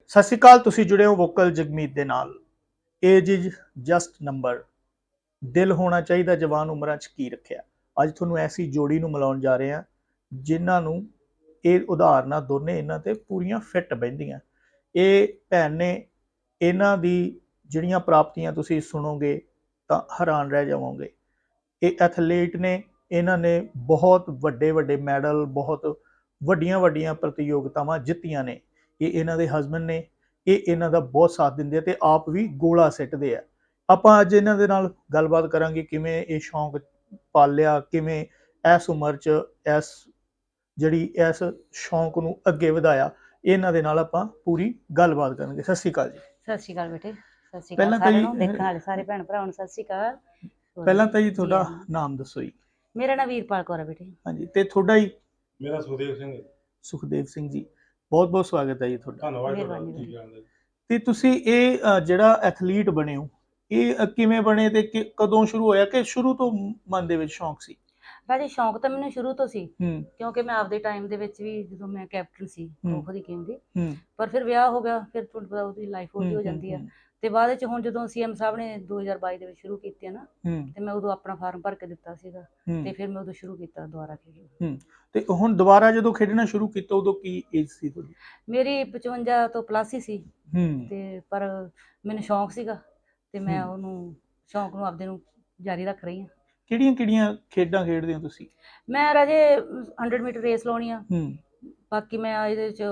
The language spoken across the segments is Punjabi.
ਸਤਿ ਸ਼੍ਰੀ ਅਕਾਲ। ਤੁਸੀਂ ਜੁੜੇ ਹੋ ਵੋਕਲ ਜਗਮੀਤ ਦੇ ਨਾਲ। Age is just number. ਦਿਲ ਹੋਣਾ ਚਾਹੀਦਾ ਜਵਾਨ ਉਮਰਾਂ 'ਚ ਕੀ ਰੱਖਿਆ। ਅੱਜ ਤੁਹਾਨੂੰ ਐਸੀ ਜੋੜੀ ਨੂੰ ਮਿਲਾਉਣ ਜਾ ਰਹੇ ਹਾਂ ਜਿਨ੍ਹਾਂ ਨੂੰ ਇਹ ਉਦਾਹਰਨਾਂ ਦੋਨੇ ਇਹਨਾਂ ਤੇ ਪੂਰੀਆਂ ਫਿੱਟ ਬਹਿੰਦੀਆਂ। ਇਹ ਭੈਣ ਨੇ, ਇਹਨਾਂ ਦੀ ਜਿਹੜੀਆਂ ਪ੍ਰਾਪਤੀਆਂ ਤੁਸੀਂ ਸੁਣੋਗੇ ਤਾਂ ਹੈਰਾਨ ਰਹਿ ਜਾਵੋਗੇ। ਇਹ ਐਥਲੀਟ ਨੇ, ਇਹਨਾਂ ਨੇ ਬਹੁਤ ਵੱਡੇ ਵੱਡੇ ਮੈਡਲ, ਬਹੁਤ ਵੱਡੀਆਂ ਵੱਡੀਆਂ ਪ੍ਰਤੀਯੋਗਤਾਵਾਂ ਜਿੱਤੀਆਂ ਨੇ। ਇਹ ਇਹਨਾਂ ਦੇ ਹਸਬੈਂਡ ਨੇ, ਇਹ ਇਹਨਾਂ ਦਾ ਬਹੁਤ ਸਾਥ ਦਿੰਦੇ ਆ ਤੇ ਆਪ ਵੀ ਗੋਲਾ ਸਿੱਟਦੇ ਆ। ਆਪਾਂ ਅੱਜ ਇਹਨਾਂ ਦੇ ਨਾਲ ਗੱਲਬਾਤ ਕਰਾਂਗੇ ਕਿਵੇਂ ਇਹ ਸ਼ੌਂਕ ਪਾਲਿਆ, ਕਿਵੇਂ ਇਸ ਉਮਰ 'ਚ ਇਸ ਸ਼ੌਂਕ ਨੂੰ ਅੱਗੇ ਵਧਾਇਆ। ਇਹਨਾਂ ਦੇ ਨਾਲ ਆਪਾਂ ਪੂਰੀ ਗੱਲਬਾਤ ਕਰਾਂਗੇ। ਸਤਿ ਸ਼੍ਰੀ ਅਕਾਲ ਜੀ। ਸਤਿ ਸ਼੍ਰੀ ਅਕਾਲ ਬੇਟੇ। ਸਤਿ ਸ਼੍ਰੀ ਪਹਿਲਾਂ ਅਕਾਲ ਤਾਂ ਸਾਰਿਆਂ ਜੀ ਨੂੰ, ਦੇਖਣ ਵਾਲੇ ਸਾਰੇ ਭੈਣ ਭਰਾਵਾਂ ਨੂੰ ਸਤਿ ਸ਼੍ਰੀ ਅਕਾਲ। ਪਹਿਲਾਂ ਤਾਂ ਜੀ ਤੁਹਾਡਾ ਨਾਮ ਦੱਸੋ ਜੀ। ਮੇਰਾ ਨਾਮ ਵੀਰਪਾਲ ਕੌਰ ਹੈ ਬੇਟੇ। ਹਾਂਜੀ, ਤੇ ਤੁਹਾਡਾ ਜੀ? ਮੇਰਾ ਸੁਖਦੇਵ ਸਿੰਘ। ਸੁਖਦੇਵ ਸਿੰਘ ਜੀ, ਬਹੁਤ ਬਹੁਤ ਸਵਾਗਤ ਹੈ ਜੀ ਤੁਹਾਡਾ। ਧੰਨਵਾਦ। ਮਿਹਰਬਾਨੀ। ਤੇ ਤੁਸੀਂ ਇਹ ਜਿਹੜਾ ਐਥਲੀਟ ਬਣੇ ਹੋ, ਇਹ ਕਿਵੇਂ ਬਣੇ ਤੇ ਕਦੋਂ ਸ਼ੁਰੂ ਹੋਇਆ, ਕਿ ਸ਼ੁਰੂ ਤੋਂ ਮਨ ਦੇ ਵਿੱਚ ਸ਼ੌਂਕ ਸੀ? ਰਾਜੇ ਸ਼ੌਂਕ ਤਾਂ ਮੈਨੂੰ ਸ਼ੁਰੂ ਤੋਂ ਸੀ, ਹੂੰ ਕਿਉਂਕਿ ਮੈਂ ਆਪਦੇ ਟਾਈਮ ਦੇ ਵਿੱਚ ਵੀ ਜਦੋਂ ਮੈਂ ਕੈਪਟਨ ਸੀ ਖੋ ਦੀ ਟੀਮ ਦੀ, ਹੂੰ ਪਰ ਫਿਰ ਵਿਆਹ ਹੋ ਗਿਆ, ਫਿਰ ਤੁਹਾਨੂੰ ਪਤਾ ਉਹਦੀ ਲਾਈਫ ਉਹਦੀ ਹੋ ਜਾਂਦੀ ਆ। ਤੇ ਬਾਅਦ ਵਿੱਚ ਹੁਣ ਜਦੋਂ ਸੀਐਮ ਸਾਹਿਬ ਨੇ 2022 ਦੇ ਵਿੱਚ ਸ਼ੁਰੂ ਕੀਤੀ ਹੈ ਨਾ, ਤੇ ਮੈਂ ਉਦੋਂ ਆਪਣਾ ਫਾਰਮ ਭਰ ਕੇ ਦਿੱਤਾ ਸੀਗਾ ਤੇ ਫਿਰ ਮੈਂ ਉਦੋਂ ਸ਼ੁਰੂ ਕੀਤਾ ਦੁਬਾਰਾ ਖੇਡਣਾ। ਤੇ ਹੁਣ ਦੁਬਾਰਾ ਜਦੋਂ ਖੇਡਣਾ ਸ਼ੁਰੂ ਕੀਤਾ ਉਦੋਂ ਕੀ ਏਜ ਸੀ ਤੁਹਾਡੀ? ਮੇਰੀ 55 ਤੋਂ ਪਲੱਸ ਹੀ ਸੀ। ਤੇ ਪਰ ਮੈਨੂੰ ਸ਼ੌਂਕ ਸੀਗਾ ਤੇ ਮੈਂ ਉਹਨੂੰ ਸ਼ੌਂਕ ਨੂੰ ਆਪਦੇ ਨੂੰ ਜਾਰੀ ਰੱਖ ਰਹੀ ਹਾਂ। ਕਿਹੜੀਆਂ ਕਿਹੜੀਆਂ ਖੇਡਾਂ ਖੇਡਦੇ ਹੋ ਤੁਸੀਂ? ਮੈਂ ਰਾਜੇ 100 ਮੀਟਰ ਰੇਸ ਲਾਉਣੀ ਆ, ਬਾਕੀ ਮੈਂ ਇਹਦੇ ਚ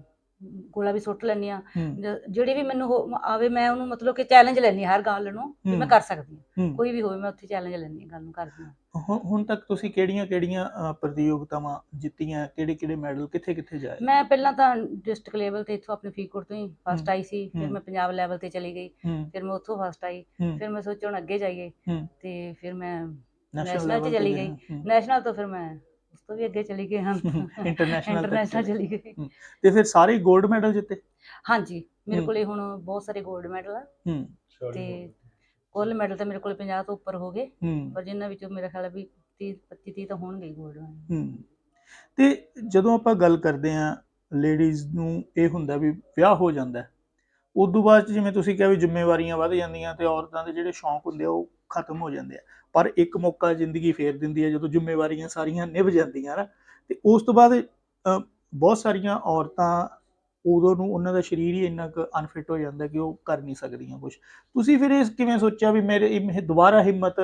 ਗੋਲਾ ਵੀ ਸੁੱਟ ਲੈਂਦੀ ਆ। ਜਿਹੜੀ ਵੀ ਮੈਨੂੰ ਆਵੇ ਮੈਂ ਉਹਨੂੰ ਮਤਲਬ ਕਿ ਚੈਲੰਜ ਲੈਂਦੀ ਹਾਂ ਹਰ ਗੱਲ ਨੂੰ ਕਿ ਮੈਂ ਕਰ ਸਕਦੀ ਹਾਂ। ਕੋਈ ਵੀ ਹੋਵੇ ਮੈਂ ਉੱਥੇ ਚੈਲੰਜ ਲੈਂਦੀ ਹਾਂ, ਗੱਲ ਨੂੰ ਕਰਦੀ ਹਾਂ। ਹੁਣ ਤੱਕ ਤੁਸੀਂ ਕਿਹੜੀਆਂ ਕਿਹੜੀਆਂ ਪ੍ਰਤੀਯੋਗਤਾਵਾਂ ਜਿੱਤੀਆਂ, ਕਿਹੜੇ ਕਿਹੜੇ ਮੈਡਲ, ਕਿੱਥੇ ਕਿੱਥੇ ਜਾਏ? ਮੈਂ ਪਹਿਲਾਂ ਤਾਂ ਡਿਸਟ੍ਰਿਕਟ ਲੈਵਲ ਤੇ ਇੱਥੋਂ ਆਪਣੇ ਫਰੀਦਕੋਟ ਤੋਂ ਹੀ ਫਸਟ ਆਈ ਸੀ, ਫਿਰ ਮੈਂ ਪੰਜਾਬ ਲੈਵਲ ਤੇ ਚਲੀ ਗਈ, ਫਿਰ ਮੈਂ ਉੱਥੋਂ ਫਸਟ ਆਈ, ਫਿਰ ਮੈਂ ਸੋਚਿਆ ਹੁਣ ਅੱਗੇ ਜਾਈਏ ਤੇ ਫਿਰ ਮੈਂ ਨੈਸ਼ਨਲ 'ਚ ਚਲੀ ਗਈ। ਨੈਸ਼ਨਲ ਤੋਂ ਫਿਰ ਮੈਂ ਉਸ ਤੋਂ ਵੀ ਅੱਗੇ ਚਲੀ ਗਈ, ਹਾਂ ਇੰਟਰਨੈਸ਼ਨਲ ਚਲੀ ਗਈ। ਤੇ ਫਿਰ ਸਾਰੇ ਗੋਲਡ ਮੈਡਲ ਜਿੱਤੇ? ਹਾਂਜੀ, ਮੇਰੇ ਕੋਲੇ ਹੁਣ ਬਹੁਤ ਸਾਰੇ ਗੋਲਡ ਮੈਡਲ ਆ ਤੇ ਕੁੱਲ ਮੈਡਲ ਤਾਂ ਮੇਰੇ ਕੋਲ 50 ਤੋਂ ਉੱਪਰ ਹੋ ਗਏ, ਪਰ ਜਿਨ੍ਹਾਂ ਵਿੱਚੋਂ ਮੇਰਾ ਖਿਆਲ ਵੀ 25-30 ਤਾਂ ਹੋਣਗੇ ਗੋਲਡ ਮੈਡਲ। ਤੇ ਜਦੋਂ ਆਪਾਂ ਗੱਲ ਕਰਦੇ ਹਾਂ, ਲੇਡੀਜ਼ ਨੂੰ ਇਹ ਹੁੰਦਾ ਵੀ ਵਿਆਹ ਹੋ ਜਾਂਦਾ, ਉਸ ਤੋਂ ਬਾਅਦ ਜਿਵੇਂ ਤੁਸੀਂ ਕਿਹਾ ਵੀ ਜ਼ਿੰਮੇਵਾਰੀਆਂ ਵੱਧ ਜਾਂਦੀਆਂ ਤੇ ਔਰਤਾਂ ਦੇ ਜਿਹੜੇ ਸ਼ੌਂਕ ਹੁੰਦੇ ਆ ਉਹ ਖਤਮ ਹੋ ਜਾਂਦੇ ਆ। ਪਰ ਇੱਕ ਮੌਕਾ ਜ਼ਿੰਦਗੀ ਫੇਰ ਦਿੰਦੀ ਹੈ ਜਦੋਂ ਜ਼ਿੰਮੇਵਾਰੀਆਂ ਸਾਰੀਆਂ ਨਿਭ ਜਾਂਦੀਆਂ ਨਾ, ਤੇ ਉਸ ਤੋਂ ਬਾਅਦ ਬਹੁਤ ਸਾਰੀਆਂ ਔਰਤਾਂ ਉਦੋਂ ਨੂੰ ਉਹਨਾਂ ਦਾ ਸਰੀਰ ਹੀ ਇੰਨਾ ਕੁ ਅਨਫਿਟ ਹੋ ਜਾਂਦਾ ਕਿ ਉਹ ਕਰ ਨਹੀਂ ਸਕਦੀਆਂ ਕੁਛ। ਤੁਸੀਂ ਫਿਰ ਇਹ ਕਿਵੇਂ ਸੋਚਿਆ ਵੀ ਮੇਰੇ ਦੁਬਾਰਾ ਹਿੰਮਤ,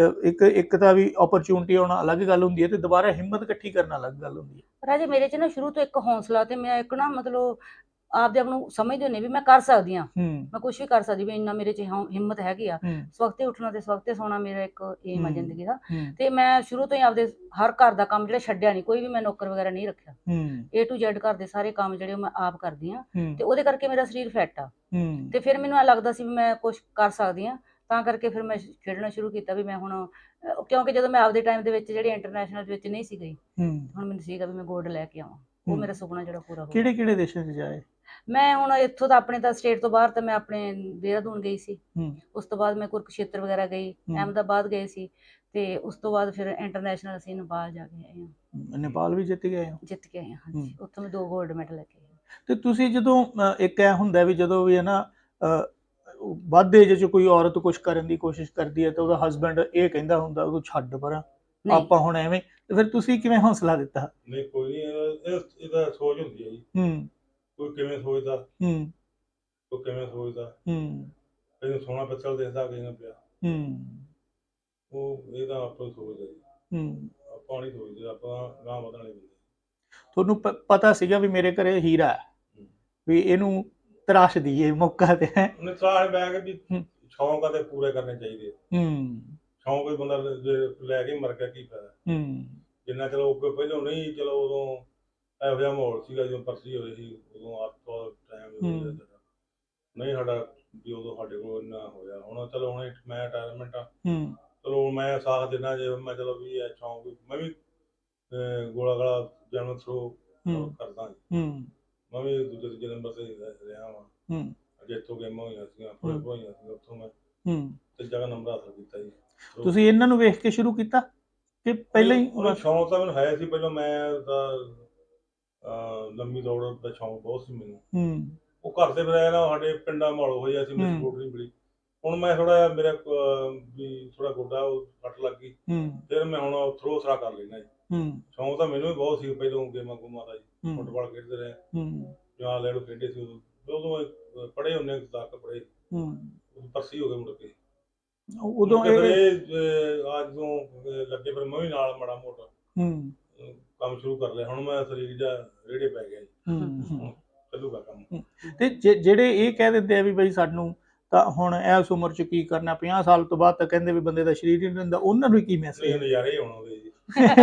ਇੱਕ ਤਾਂ ਵੀ ਓਪਰਚੁਨਿਟੀ ਆਉਣਾ ਅਲੱਗ ਗੱਲ ਹੁੰਦੀ ਹੈ ਤੇ ਦੁਬਾਰਾ ਹਿੰਮਤ ਇਕੱਠੀ ਕਰਨਾ ਅਲੱਗ ਗੱਲ ਹੁੰਦੀ ਹੈ? ਰਾਜੇ ਮੇਰੇ 'ਚ ਨਾ ਸ਼ੁਰੂ ਤੋਂ ਇੱਕ ਹੌਸਲਾ ਤੇ ਮੈਂ ਇੱਕ ਨਾ ਮਤਲਬ ਆਪਦੇ ਆਪ ਨੂੰ ਸਮਝਦੇ ਹੁੰਦੇ ਵੀ ਮੈਂ ਕਰ ਸਕਦੀ ਹਾਂ, ਮੈਂ ਕੁਛ ਵੀ ਕਰ ਸਕਦੀ, ਵੀ ਇੰਨਾ ਮੇਰੇ 'ਚ ਹਿੰਮਤ ਹੈਗੀ ਆ। ਸਵਖਤੇ ਉੱਠਣਾ ਤੇ ਸਵਖਤੇ ਸੌਣਾ ਮੇਰਾ ਇੱਕ ਏਮ ਆ ਜ਼ਿੰਦਗੀ ਦਾ। ਤੇ ਮੈਂ ਸ਼ੁਰੂ ਤੋਂ ਹੀ ਆਪਦੇ ਹਰ ਘਰ ਦਾ ਕੰਮ ਜਿਹੜਾ ਛੱਡਿਆ ਨਹੀਂ, ਕੋਈ ਵੀ ਮੈਂ ਨੌਕਰ ਵਗੈਰਾ ਨਹੀਂ ਰੱਖਿਆ। A to Z ਘਰ ਦੇ ਸਾਰੇ ਕੰਮ ਜਿਹੜੇ ਮੈਂ ਆਪ ਕਰਦੀ ਹਾਂ ਤੇ ਉਹਦੇ ਕਰਕੇ ਮੇਰਾ ਸਰੀਰ ਫਿੱਟ ਆ। ਤੇ ਫਿਰ ਮੈਨੂੰ ਇਹ ਲੱਗਦਾ ਸੀ ਵੀ ਮੈਂ ਕੁਛ ਕਰ ਸਕਦੀ ਹਾਂ, ਤਾਂ ਕਰਕੇ ਫਿਰ ਮੈਂ ਖੇਡਣਾ ਸ਼ੁਰੂ ਕੀਤਾ ਵੀ ਮੈਂ ਹੁਣ, ਕਿਉਂਕਿ ਜਦੋਂ ਮੈਂ ਆਪਦੇ ਟਾਈਮ ਦੇ ਵਿੱਚ ਜਿਹੜੀ ਇੰਟਰਨੈਸ਼ਨਲ ਵਿੱਚ ਨਹੀਂ ਸੀ ਗਈ, ਹੁਣ ਮੈਨੂੰ ਸੀਗਾ ਵੀ ਮੈਂ ਗੋਲਡ ਲੈ ਕੇ ਆਵਾਂ। ਉਹ ਮੇਰਾ ਸੁਪਨਾ ਜਿਹੜਾ ਪੂਰਾ ਹੋ ਗਿਆ। ਕਿਹੜੇ ਕਿਹੜੇ ਦੇਸ਼ਾਂ 'ਚ ਜਾਏ? ਮੈਂ ਹੁਣ ਇੱਥੋਂ ਤਾਂ ਆਪਣੇ ਤਾਂ ਸਟੇਟ ਤੋਂ ਬਾਹਰ ਤਾਂ ਮੈਂ ਆਪਣੇ ਦੇਹਰਾਦੂਨ ਗਈ ਸੀ, ਉਸ ਤੋਂ ਬਾਅਦ ਮੈਂ ਕੁਰੂਕਸ਼ੇਤਰ ਵਗੈਰਾ ਗਈ, ਅਹਿਮਦਾਬਾਦ ਗਏ ਸੀ, ਤੇ ਉਸ ਤੋਂ ਬਾਅਦ ਫਿਰ ਇੰਟਰਨੈਸ਼ਨਲ ਅਸੀਂ ਨੇਪਾਲ ਜਾ ਕੇ ਆਏ ਹਾਂ। ਨੇਪਾਲ ਵੀ ਜਿੱਤ ਗਏ? ਜਿੱਤ ਕੇ ਆਏ ਹਾਂ, ਹਾਂਜੀ। ਉੱਥੋਂ ਮੈਂ 2 ਗੋਲਡ ਮੈਡਲ ਲੈ ਕੇ ਆਈ। ਤੇ ਤੁਸੀਂ ਜਦੋਂ ਇੱਕ ਇਹ ਹੁੰਦਾ ਵੀ ਜਦੋਂ ਵੀ ਹੈ ਨਾ ਵੱਧ ਏਜ 'ਚ ਕੋਈ ਔਰਤ ਕੁਛ ਕਰਨ ਦੀ ਕੋਸ਼ਿਸ਼ ਕਰਦੀ ਹੈ ਤਾਂ ਉਹਦਾ ਹਸਬੈਂਡ ਇਹ ਕਹਿੰਦਾ ਹੁੰਦਾ ਉਹਨੂੰ ਛੱਡ ਪਰਾਂ, ਆਪਾਂ ਹੁਣ ਐਵੇਂ, ਤੇ ਫਿਰ ਤੁਸੀਂ ਕਿਵੇਂ ਹੌਸਲਾ ਦਿੱਤਾ? ਨਹੀਂ ਕੋਈ ਨਹੀਂ, ਇਹਦਾ ਸੋਚ ਹੁੰਦੀ ਹੈ ਜੀ। ਕੋਈ ਕਿਵੇਂ ਸੋਚਦਾ, ਕੋਈ ਕਿਵੇਂ ਸੋਚਦਾ, ਕਈ ਨੂੰ ਸੋਹਣਾ ਪਿੱਤਲ ਦੇਖਦਾ, ਕਈ ਨੂੰ ਪਿਆ। ਉਹ ਇਹਦਾ ਆਪਾਂ ਸੋਚਦਾ ਜੀ, ਆਪਾਂ ਨਹੀਂ ਸੋਚਦੇ, ਆਪਾਂ ਗਾਂਹ ਵਧਣ ਵਾਲੇ ਬੰਦੇ। ਤੁਹਾਨੂੰ ਪਤਾ ਸੀਗਾ ਵੀ ਮੇਰੇ ਘਰੇ ਹੀਰਾ ਹੈ, ਵੀ ਇਹਨੂੰ ਤਰਾਸ਼ ਦਈਏ ਮੌਕਾ ਤੇ? ਉਹਨੇ ਤਰਾਸ਼ ਬੈ ਕੇ ਵੀ ਸ਼ੌਂਕ ਆ ਤੇ ਪੂਰੇ ਕਰਨੇ ਚਾਹੀਦੇ। ਸ਼ੌਂਕ ਕੋਈ ਬੰਦਾ ਲੈ ਕੇ ਮਰ ਗਿਆ ਕੀ ਫਾਇਦਾ? ਜਿੰਨਾ ਚਲੋ ਪਹਿਲਾਂ ਨਹੀਂ, ਚਲੋ ਉਦੋਂ ਇਹੋ ਜਿਹਾ ਮਾਹੌਲ ਸੀਗਾ ਜਦੋਂ ਪਰਸੀ ਹੋਏ ਸੀ, ਉਦੋਂ ਟਾਈਮ ਨਹੀਂ ਸਾਡਾ ਵੀ ਉਦੋਂ ਸਾਡੇ ਕੋਲ ਇੰਨਾ ਹੋਇਆ। ਹੁਣ ਚਲੋ ਹੁਣ ਮੈਂ ਰਿਟਾਇਰਮੈਂਟ ਆ, ਚਲੋ ਮੈਂ ਸਾਥ ਦੇਣਾ ਜੇ ਮੈਂ ਚਲੋ ਵੀ ਇਹ ਸ਼ੌਂਕ ਮੈਂ ਵੀ ਗੋਲਾ ਗਾਲਾ ਜਨਮ ਥਰੋ ਕਰਦਾ। ਮੈਂ ਵੀ ਦੂਜੇ ਤੀਜੇ ਨੰਬਰ ਤੇ ਰਿਹਾ ਵਾਂ, ਅਜੇ ਇੱਥੋਂ ਗੇਮਾਂ ਹੋਈਆਂ ਸੀਗੀਆਂ, ਹੋਈਆਂ ਸੀਗੀਆਂ, ਉੱਥੋਂ ਮੈਂ ਤੀਜਾ ਨੰਬਰ ਹਾਸਲ ਕੀਤਾ ਜੀ। ਤੁਸੀਂ ਇਹਨਾਂ ਨੂੰ ਵੇਖ ਕੇ ਸ਼ੁਰੂ ਕੀਤਾ ਕਿ ਪਹਿਲਾਂ ਹੀ? ਸ਼ੌਂਕ ਤਾਂ ਮੈਨੂੰ ਹੈ ਸੀ ਪਹਿਲਾਂ, ਮੈਂ ਤਾਂ ਲੰਮੀ ਦੌੜ ਦਾ ਸ਼ੌਂਕ ਬਹੁਤ ਸੀ ਮੈਨੂੰ, ਉਹ ਘਰ ਦੇ ਫਿਰ ਨਾ ਸਾਡੇ ਪਿੰਡਾਂ ਮਾਹੌਲ ਹੋਇਆ ਸੀ, ਮੇਰੀ ਸਪੋਰਟ ਨਹੀਂ ਮਿਲੀ। ਹੁਣ ਮੈਂ ਥੋੜਾ ਜਿਹਾ ਮੇਰਾ ਵੀ ਥੋੜਾ ਗੋਡਾ ਉਹ ਫੱਟ ਲੱਗ ਗਈ, ਫਿਰ ਮੈਂ ਹੁਣ ਥਰੋ ਥਰਾ ਕਰ ਲੈਣਾ ਜੀ। ਸ਼ੌਂਕ ਤਾਂ ਮੈਨੂੰ ਵੀ ਬਹੁਤ ਸੀ ਪਹਿਲੋਂ ਗੇਮਾਂ ਗੂਮਾਂ ਦਾ ਜੀ, ਫੁੱਟਬਾਲ ਖੇਡਦੇ ਰਹੇ ਜਾਂ ਲੈ ਲਓ ਖੇਡੇ ਸੀ ਉਦੋਂ ਪੜ੍ਹੇ ਹੁੰਦੇ ਤੱਕ ਪੜ੍ਹੇ ਪਰਸੀ ਹੋ ਗਏ ਮੁੜ ਕੇ ਉਦੋਂ ਅੱਜ ਤੋਂ ਲੱਗੇ ਫਿਰ ਮੈਂ ਵੀ ਨਾਲ ਮਾੜਾ ਮੋਟਾ ਕੰਮ ਸ਼ੁਰੂ ਕਰ ਲਿਆ। ਹੁਣ ਮੈਂ ਸਰੀਰ ਜਾਂ ਰੇੜੇ ਪੈ ਗਿਆ ਜੀ, ਚੱਲੂਗਾ ਕੰਮ। ਤੇ ਜਿਹੜੇ ਇਹ ਕਹਿ ਦਿੰਦੇ ਆ ਵੀ ਬਈ ਸਾਨੂੰ ਤਾਂ ਹੁਣ ਇਸ ਉਮਰ 'ਚ ਕੀ ਕਰਨਾ, 50 ਸਾਲ ਤੋਂ ਬਾਅਦ ਤਾਂ ਕਹਿੰਦੇ ਵੀ ਬੰਦੇ ਦਾ ਸਰੀਰ ਹੀ ਨਹੀਂ ਰਹਿੰਦਾ, ਉਹਨਾਂ ਨੂੰ ਕੀ ਮੈਸੇਜ? ਨਜ਼ਾਰੇ ਹੁਣ ਆਉਂਦੇ ਜੀ।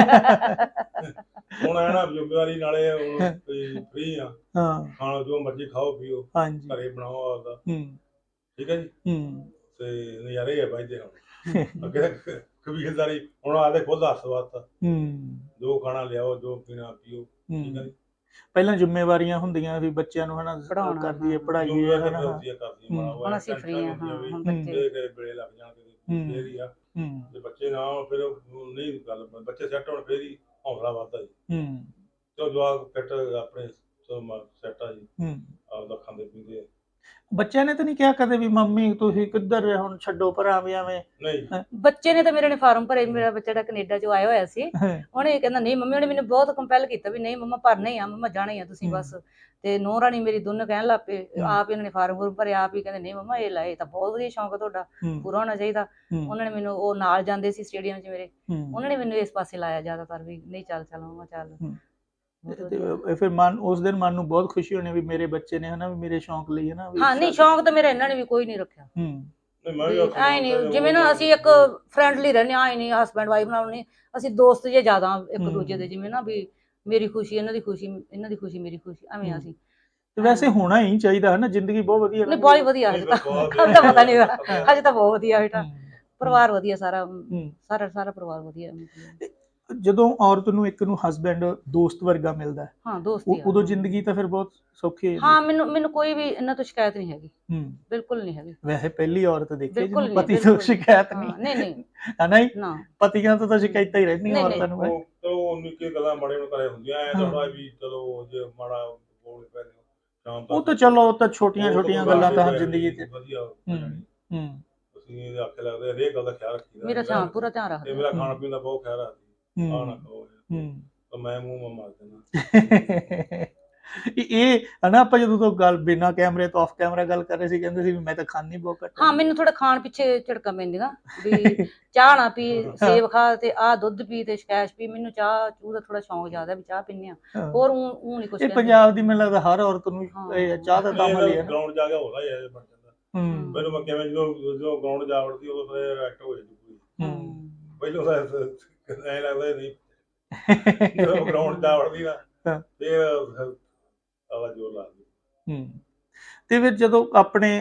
ਹੁਣ ਹੈ ਨਾ ਜ਼ਿੰਮੇਵਾਰੀ ਨਾਲੇ ਹੁਣ ਫ੍ਰੀ ਆ, ਖਾਣਾ ਜੋ ਮਰਜ਼ੀ ਖਾਓ ਪੀਓ, ਘਰੇ ਬਣਾਓ ਆਪਦਾ, ਠੀਕ ਹੈ ਜੀ, ਤੇ ਨਜ਼ਾਰੇ ਆ ਬਾਈਦੇ ਹੁਣ। ਅੱਗੇ ਕਬੀਲਦਾਰੀ ਹੁਣ ਆਦੇ ਖੁਦ ਹੱਥ ਵਾਸਤਾ, ਜੋ ਖਾਣਾ ਲਿਆਓ, ਜੋ ਪੀਣਾ ਪੀਓ, ਠੀਕ ਹੈ ਜੀ। ਪਹਿਲਾਂ ਜ਼ਿੰਮੇਵਾਰੀਆਂ ਹੁੰਦੀਆਂ ਵੀ ਬੱਚਿਆਂ ਨੂੰ ਹਨਾ ਕਰਦੀ ਹੈ ਪੜ੍ਹਾਈ, ਹੁਣ ਅਸੀਂ ਫ੍ਰੀ ਆ। ਹੁਣ ਬੱਚੇ ਵੇਲੇ ਲੱਗ ਜਾਣਗੇ ਫੇਰ ਹੀ ਆ, ਜੇ ਬੱਚੇ ਨਾ ਹੋਣ ਫਿਰ ਨਹੀਂ ਗੱਲ, ਬੱਚੇ ਸੈੱਟ ਹੋਣ ਫੇਰ ਹੀ ਹੌਸਲਾ ਵੱਧਦਾ ਜੀ। ਤੇ ਜਵਾਕ ਫਿੱਟ ਆਪਣੇ ਸੈੱਟ ਆ ਜੀ, ਆਪਦਾ ਖਾਂਦੇ ਪੀਂਦੇ। ਬੱਚਿਆਂ ਨੇ ਤਾਂ ਨਹੀਂ ਕਿਹਾ ਕਦੇ ਵੀ ਮੰਮੀ ਤੁਸੀਂ ਕਿੱਧਰ ਹੁਣ ਛੱਡੋ ਭਰਾ ਵੀ ਐਵੇਂ? ਨਹੀਂ, ਬੱਚੇ ਨੇ ਤਾਂ ਮੇਰੇ ਨੇ ਫਾਰਮ ਭਰੇ। ਮੇਰਾ ਬੱਚਾ ਜਿਹੜਾ ਕੈਨੇਡਾ ਚੋਂ ਆਇਆ ਹੋਇਆ ਸੀ, ਉਹਨੇ ਕਹਿੰਦਾ ਨਹੀਂ ਮੰਮੀ, ਉਹਨੇ ਮੈਨੂੰ ਬਹੁਤ ਕੰਪੈਲ ਕੀਤਾ ਵੀ ਨਹੀਂ ਮੰਮਾ ਭਰਨਾ ਹੀ ਆ, ਮੰਮਾ ਜਾਣਾ ਹੀ ਆ ਤੁਸੀਂ ਬਸ। ਤੇ ਨੂੰਹ ਰਾਣੀ ਮੇਰੀ ਦੋਨੋਂ ਕਹਿਣ ਲੱਗ ਪਏ, ਆਪ ਹੀ ਉਹਨਾਂ ਨੇ ਫਾਰਮ ਭਰੇ, ਆਪ ਹੀ ਕਹਿੰਦੇ ਨਹੀਂ ਮੰਮਾ ਇਹ ਲਾਏ ਤਾਂ ਬਹੁਤ ਵਧੀਆ ਸ਼ੌਂਕ ਤੁਹਾਡਾ, ਪੂਰਾ ਹੋਣਾ ਚਾਹੀਦਾ। ਉਹਨਾਂ ਨੇ ਮੈਨੂੰ, ਉਹ ਨਾਲ ਜਾਂਦੇ ਸੀ ਸਟੇਡੀਅਮ 'ਚ ਮੇਰੇ, ਉਹਨਾਂ ਨੇ ਮੈਨੂੰ ਇਸ ਪਾਸੇ ਲਾਇਆ ਜ਼ਿਆਦਾਤਰ ਵੀ ਨਹੀਂ ਚੱਲ ਮੰਮਾ ਚੱਲ। ਫਿਰ ਮਨ ਉਸ ਦਿਨ ਮਨ ਨੂੰ ਬਹੁਤ ਖੁਸ਼ੀ ਹੋਣੀ ਵੀ ਮੇਰੇ ਬੱਚੇ ਨੇ ਹਨਾ ਵੀ ਮੇਰੇ ਸ਼ੌਂਕ ਲਈ ਹਨਾ। ਹਾਂ ਨਹੀਂ, ਸ਼ੌਂਕ ਤਾਂ ਮੇਰਾ ਇਹਨਾਂ ਨੇ ਵੀ ਕੋਈ ਨਹੀਂ ਰੱਖਿਆ। ਐ ਨਹੀਂ ਜਿਵੇਂ ਨਾ ਅਸੀਂ ਇੱਕ ਫਰੈਂਡਲੀ ਰਹਿੰਦੇ ਆ, ਨਹੀਂ ਹਸਬੈਂਡ ਵਾਈਫ ਨਾਲ ਨਹੀਂ, ਅਸੀਂ ਦੋਸਤ ਜੇ ਜ਼ਿਆਦਾ ਇੱਕ ਦੂਜੇ ਦੇ, ਜਿਵੇਂ ਨਾ ਵੀ ਮੇਰੀ ਖੁਸ਼ੀ ਇਹਨਾਂ ਦੀ ਖੁਸ਼ੀ, ਇਹਨਾਂ ਦੀ ਖੁਸ਼ੀ ਮੇਰੀ ਖੁਸ਼ੀ, ਐਵੇਂ ਅਸੀਂ। ਤੇ ਵੈਸੇ ਹੋਣਾ ਹੀ ਚਾਹੀਦਾ ਹਨਾ, ਜ਼ਿੰਦਗੀ ਬਹੁਤ ਵਧੀਆ। ਨਹੀਂ ਬਹੁਤ ਵਧੀਆ, ਹਜੇ ਤਾਂ ਪਤਾ ਨਹੀਂ, ਹਜੇ ਤਾਂ ਬਹੁਤ ਵਧੀਆ ਬੇਟਾ, ਪਰਿਵਾਰ ਵਧੀਆ, ਸਾਰਾ ਸਾਰਾ ਪਰਿਵਾਰ ਵਧੀਆ। ਜਦੋਂ ਔਰਤ ਨੂੰ ਇੱਕ ਨੂੰ ਹਸਬੈਂਡ ਦੋਸਤ ਵਰਗਾ ਮਿਲਦਾ ਹੈ, ਹਾਂ ਦੋਸਤ, ਉਦੋਂ ਜ਼ਿੰਦਗੀ ਤਾਂ ਫਿਰ ਬਹੁਤ ਸੌਖੀ ਹੈ। ਹਾਂ ਮੈਨੂੰ ਕੋਈ ਵੀ ਇਹਨਾਂ ਤੋਂ ਸ਼ਿਕਾਇਤ ਨਹੀਂ ਹੈਗੀ, ਬਿਲਕੁਲ ਨਹੀਂ ਹੈਗੀ। ਵੈਸੇ ਪਹਿਲੀ ਔਰਤ ਦੇਖੀ ਜਿਹਨੂੰ ਪਤੀ ਤੋਂ ਸ਼ਿਕਾਇਤ ਨਹੀਂ। ਨਹੀਂ ਹਨਾ, ਪਤੀਆਂ ਤੋਂ ਤਾਂ ਸ਼ਿਕਾਇਤਾਂ ਹੀ ਰਹਿੰਦੀਆਂ ਔਰਤਾਂ ਨੂੰ। ਉਹ ਨਿੱਕੀ ਗੱਲਾਂ ਮਾੜੇ ਨੂੰ ਕਰੇ ਹੁੰਦੀਆਂ, ਐ ਥੋੜਾ ਵੀ ਚਲੋ ਜੇ ਮਾੜਾ ਬੋਲ ਪੈ ਸ਼ਾਮ ਤੱਕ, ਉਹ ਤਾਂ ਚਲੋ ਉਹ ਤਾਂ ਛੋਟੀਆਂ ਗੱਲਾਂ ਤਾਂ ਹਰ ਜ਼ਿੰਦਗੀ 'ਚ ਵਧੀਆ। ਅਸੀਂ ਇਹਦੇ ਆਖੇ ਲੱਗਦੇ ਹਰੇਕ ਗੱਲ ਦਾ ਖਿਆਲ ਰੱਖੀਦਾ, ਮੇਰਾ ਪੂਰਾ ਧਿਆਨ ਰੱਖਦਾ, ਮੇਰਾ ਖਾਣ ਪੀਣ ਦਾ ਬਹੁਤ ਖਿਆਲ ਰੱਖਦੀ, ਆਹ ਨਾ ਖਾਓ ਤਾਂ ਮੈਂ ਮੂੰਹ ਮਾਰ ਦੇਣਾ। ਇਹ ਹਨਾ, ਆਪਾਂ ਜਦੋਂ ਤੋਂ ਗੱਲ ਬਿਨਾਂ ਕੈਮਰੇ ਤੋਂ ਆਫ ਕੈਮਰਾ ਗੱਲ ਕਰ ਰਹੇ ਸੀ, ਕਹਿੰਦੇ ਸੀ ਵੀ ਮੈਂ ਤਾਂ ਖਾਂਦੀ ਬਹੁਤ ਘੱਟ। ਹਾਂ ਮੈਨੂੰ ਥੋੜਾ ਖਾਣ ਪਿੱਛੇ ਝੜਕਾਂ ਪੈਂਦੀਆਂ ਵੀ ਚਾਹ ਨਾ ਪੀ, ਸੇਬ ਖਾ, ਤੇ ਆਹ ਦੁੱਧ ਪੀ, ਤੇ ਸਕੈਸ਼ ਪੀ। ਮੈਨੂੰ ਚਾਹ ਚੂਹ ਦਾ ਥੋੜਾ ਸ਼ੌਂਕ ਜ਼ਿਆਦਾ ਵੀ ਚਾਹ ਪੀਂਦੇ ਆ, ਹੋਰ ਉਹ ਨਹੀਂ ਕੁਛ। ਇਹ ਪੰਜਾਬ ਦੀ ਮੈਨੂੰ ਲੱਗਦਾ ਹਰ ਔਰਤ ਨੂੰ ਚਾਹ ਦਾ ਦਮ ਲਈ ਹੈ। ਗਰਾਊਂਡ ਜਾ ਕੇ ਹੋਦਾ ਹੀ ਬਣ ਜਾਂਦਾ। ਮੈਨੂੰ ਮੈਂ ਕਿਵੇਂ ਜਦੋਂ ਗਰਾਊਂਡ ਜਾ ਵੜਦੀ ਉਦੋਂ ਫਿਰ ਐਕਟ ਹੋ ਜਾਂਦੀ ਪੂਰੀ। ਪਹਿਲੋਂ ਤਾਂ ਐਂ ਲੱਗਦਾ ਨਹੀਂ, ਜਦੋਂ ਗਰਾਊਂਡ ਜਾ ਵੜਦੀ ਨਾ ਫਿਰ ਆਵਾਜ਼ ਜ਼ੋਰ ਲੱਗਦੀ। ਤੇ ਫਿਰ ਜਦੋਂ ਆਪਣੇ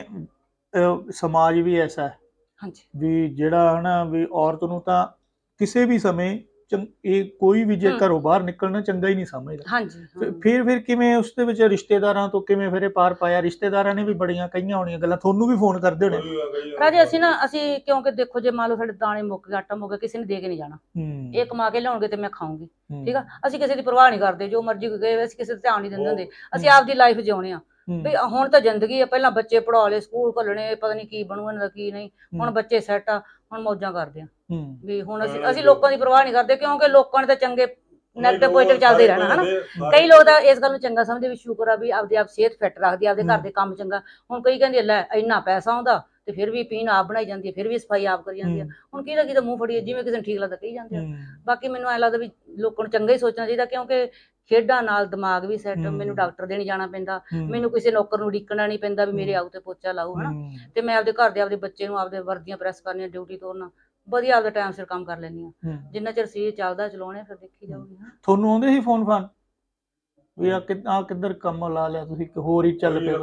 ਸਮਾਜ ਵੀ ਐਸਾ ਹੈ ਵੀ ਜਿਹੜਾ ਹਨਾ ਵੀ ਔਰਤ ਨੂੰ ਤਾਂ ਕਿਸੇ ਵੀ ਸਮੇਂ ਇਹ ਕੋਈ ਵੀ ਜੇ ਘਰੋਂ ਬਾਹਰ ਨਿਕਲਣਾ ਚੰਗਾ ਹੀ ਨਹੀਂ ਸਮਝਦਾ। ਫਿਰ ਕਿਵੇਂ ਉਸ ਦੇ ਵਿੱਚ ਰਿਸ਼ਤੇਦਾਰਾਂ ਤੋਂ ਕਿਵੇਂ ਫਿਰ ਇਹ ਪਾਰ ਪਾਇਆ? ਰਿਸ਼ਤੇਦਾਰਾਂ ਨੇ ਵੀ ਬੜੀਆਂ ਕਹੀਆਂ ਹੋਣੀਆਂ ਗੱਲਾਂ, ਤੁਹਾਨੂੰ ਵੀ ਫੋਨ ਕਰਦੇ ਹੋਣੇ ਰਾਜੇ। ਅਸੀਂ ਕਿਉਂਕਿ ਦੇਖੋ, ਜੇ ਮੰਨ ਲਓ ਸਾਡੇ ਦਾਣੇ ਮੁੱਕ ਗਏ, ਆਟਾ ਮੁੱਕ ਗਿਆ, ਕਿਸੇ ਨੇ ਦੇ ਕੇ ਨਹੀਂ ਜਾਣਾ, ਇਹ ਕਮਾ ਕੇ ਲਿਆਉਣਗੇ ਤੇ ਮੈਂ ਖਾਊਂਗੀ, ਠੀਕ ਆ। ਅਸੀਂ ਕਿਸੇ ਦੀ ਪਰਵਾਹ ਨਹੀਂ ਕਰਦੇ, ਜੋ ਮਰਜ਼ੀ ਗਏ, ਅਸੀਂ ਕਿਸੇ ਦਾ ਧਿਆਨ ਨਹੀਂ ਦਿੰਦੇ ਹੁੰਦੇ, ਅਸੀਂ ਆਪਦੀ ਲਾਈਫ ਜਿਉਣੇ ਆ ਵੀ ਹੁਣ ਤਾਂ ਜ਼ਿੰਦਗੀ ਆ। ਪਹਿਲਾਂ ਬੱਚੇ ਪੜ੍ਹਾ ਲਏ, ਸਕੂਲ ਘੱਲਣੇ, ਪਤਾ ਨਹੀਂ ਕੀ ਬਣੂ ਇਹਨਾਂ ਦਾ ਕੀ ਨਹੀਂ। ਹੁਣ ਬੱਚੇ ਸੈੱਟ ਆ, ਹੁਣ ਮੌਜਾਂ ਕਰਦੇ ਆ ਵੀ ਹੁਣ ਅਸੀਂ ਲੋਕਾਂ ਦੀ ਪਰਵਾਹ ਨਹੀਂ ਕਰਦੇ, ਕਿਉਂਕਿ ਲੋਕਾਂ ਨੇ ਤਾਂ ਚੰਗੇ ਨੈਗੇਟਿਵ ਪੋਜ਼ਿਟਿਵ ਚੱਲਦੇ ਰਹਿਣਾ ਹਨਾ। ਕਈ ਲੋਕ ਤਾਂ ਇਸ ਗੱਲ ਨੂੰ ਚੰਗਾ ਸਮਝਦੇ ਵੀ ਸ਼ੁਕਰ ਆ ਵੀ ਆਪਦੇ ਆਪ ਸਿਹਤ ਫਿੱਟ ਰੱਖਦੀ, ਆਪਦੇ ਘਰ ਦੇ ਕੰਮ ਚੰਗਾ। ਹੁਣ ਕਈ ਕਹਿੰਦੇ ਲੈ ਇੰਨਾ ਪੈਸਾ ਆਉਂਦਾ ਤੇ ਫਿਰ ਵੀ ਪੀਣ ਆਪ ਬਣਾਈ ਜਾਂਦੀ ਹੈ, ਫਿਰ ਵੀ ਸਫਾਈ ਆਪ ਕਰੀ ਜਾਂਦੀ ਆ। ਹੁਣ ਕਿਹਦਾ ਮੂੰਹ ਫੜੀਏ, ਜਿਵੇਂ ਕਿਸੇ ਨੂੰ ਠੀਕ ਲੱਗਦਾ ਕਹੀ ਜਾਂਦੇ ਆ। ਬਾਕੀ ਮੈਨੂੰ ਐਂ ਲੱਗਦਾ ਵੀ ਲੋਕਾਂ ਨੂੰ ਚੰਗਾ ਹੀ ਸੋਚਣਾ ਚਾਹੀਦਾ, ਕਿਉਂਕਿ ਖੇਡਾਂ ਨਾਲ ਦਿਮਾਗ ਵੀ ਸੈੱਟ। ਮੈਨੂੰ ਡਾਕਟਰ ਦੇ ਨਹੀਂ ਜਾਣਾ ਪੈਂਦਾ, ਮੈਨੂੰ ਕਿਸੇ ਨੌਕਰ ਨੂੰ ਉਡੀਕਣਾ ਨਹੀਂ ਪੈਂਦਾ ਵੀ ਮੇਰੇ ਆਊ ਤੇ ਪੋਚਾ ਲਾਊ ਹਨਾ। ਤੇ ਮੈਂ ਆਪਦੇ ਘਰ ਦੇ, ਆਪਦੇ ਬੱਚੇ ਨੂੰ, ਆਪਦੇ ਵਰਦੀਆਂ ਪ੍ਰੈਸ ਕਰਨੀਆਂ, ਡਿਊਟੀ ਤੋਰਨਾ, ਵਧੀਆ ਆਪਦਾ ਟਾਈਮ ਸਿਰ ਕੰਮ ਕਰ ਲੈਂਦੀ ਆ। ਜਿੰਨਾ ਚਿਰ ਸਰੀਰ ਚੱਲਦਾ ਚਲਾਉਣੇ, ਫਿਰ ਦੇਖੀ ਜਾਊਗੀ। ਤੁਹਾਨੂੰ ਆਉਂਦੇ ਸੀ ਫੋਨ ਫਾਨ ਵੀ ਆ ਕਿੱਧਰ ਕੰਮ ਲਾ ਲਿਆ ਤੁਸੀਂ, ਹੋਰ ਹੀ ਚੱਲ ਪਿਆ?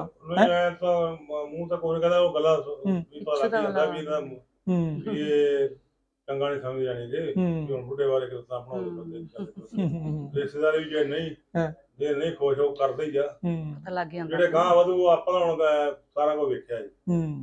ਮੂੰਹ ਤਾਂ ਕੋਈ ਕਹਿੰਦਾ, ਉਹ ਗੱਲਾਂ ਵੀ ਪਤਾ ਲੱਗ ਜਾਂਦਾ ਵੀ ਇਹਦਾ ਇਹ ਚੰਗਾ ਨਹੀਂ ਸਮਝ ਜਾਣੀ ਜੇ ਹੁਣ ਬੁੱਢੇ ਬਾਰੇ ਕਿਰਤਾਂ ਬਣਾਉਂਦੇ। ਰਿਸ਼ਤੇਦਾਰੀ ਵੀ ਜੇ ਨਹੀਂ ਖੁਸ਼ ਹੋ ਕਰਦੇ ਹੀ ਆ, ਜਿਹੜੇ ਗਾਂ ਵਧੂ ਆਪਾਂ ਹੁਣ ਸਾਰਾ ਕੁਝ ਵੇਖਿਆ ਜੀ।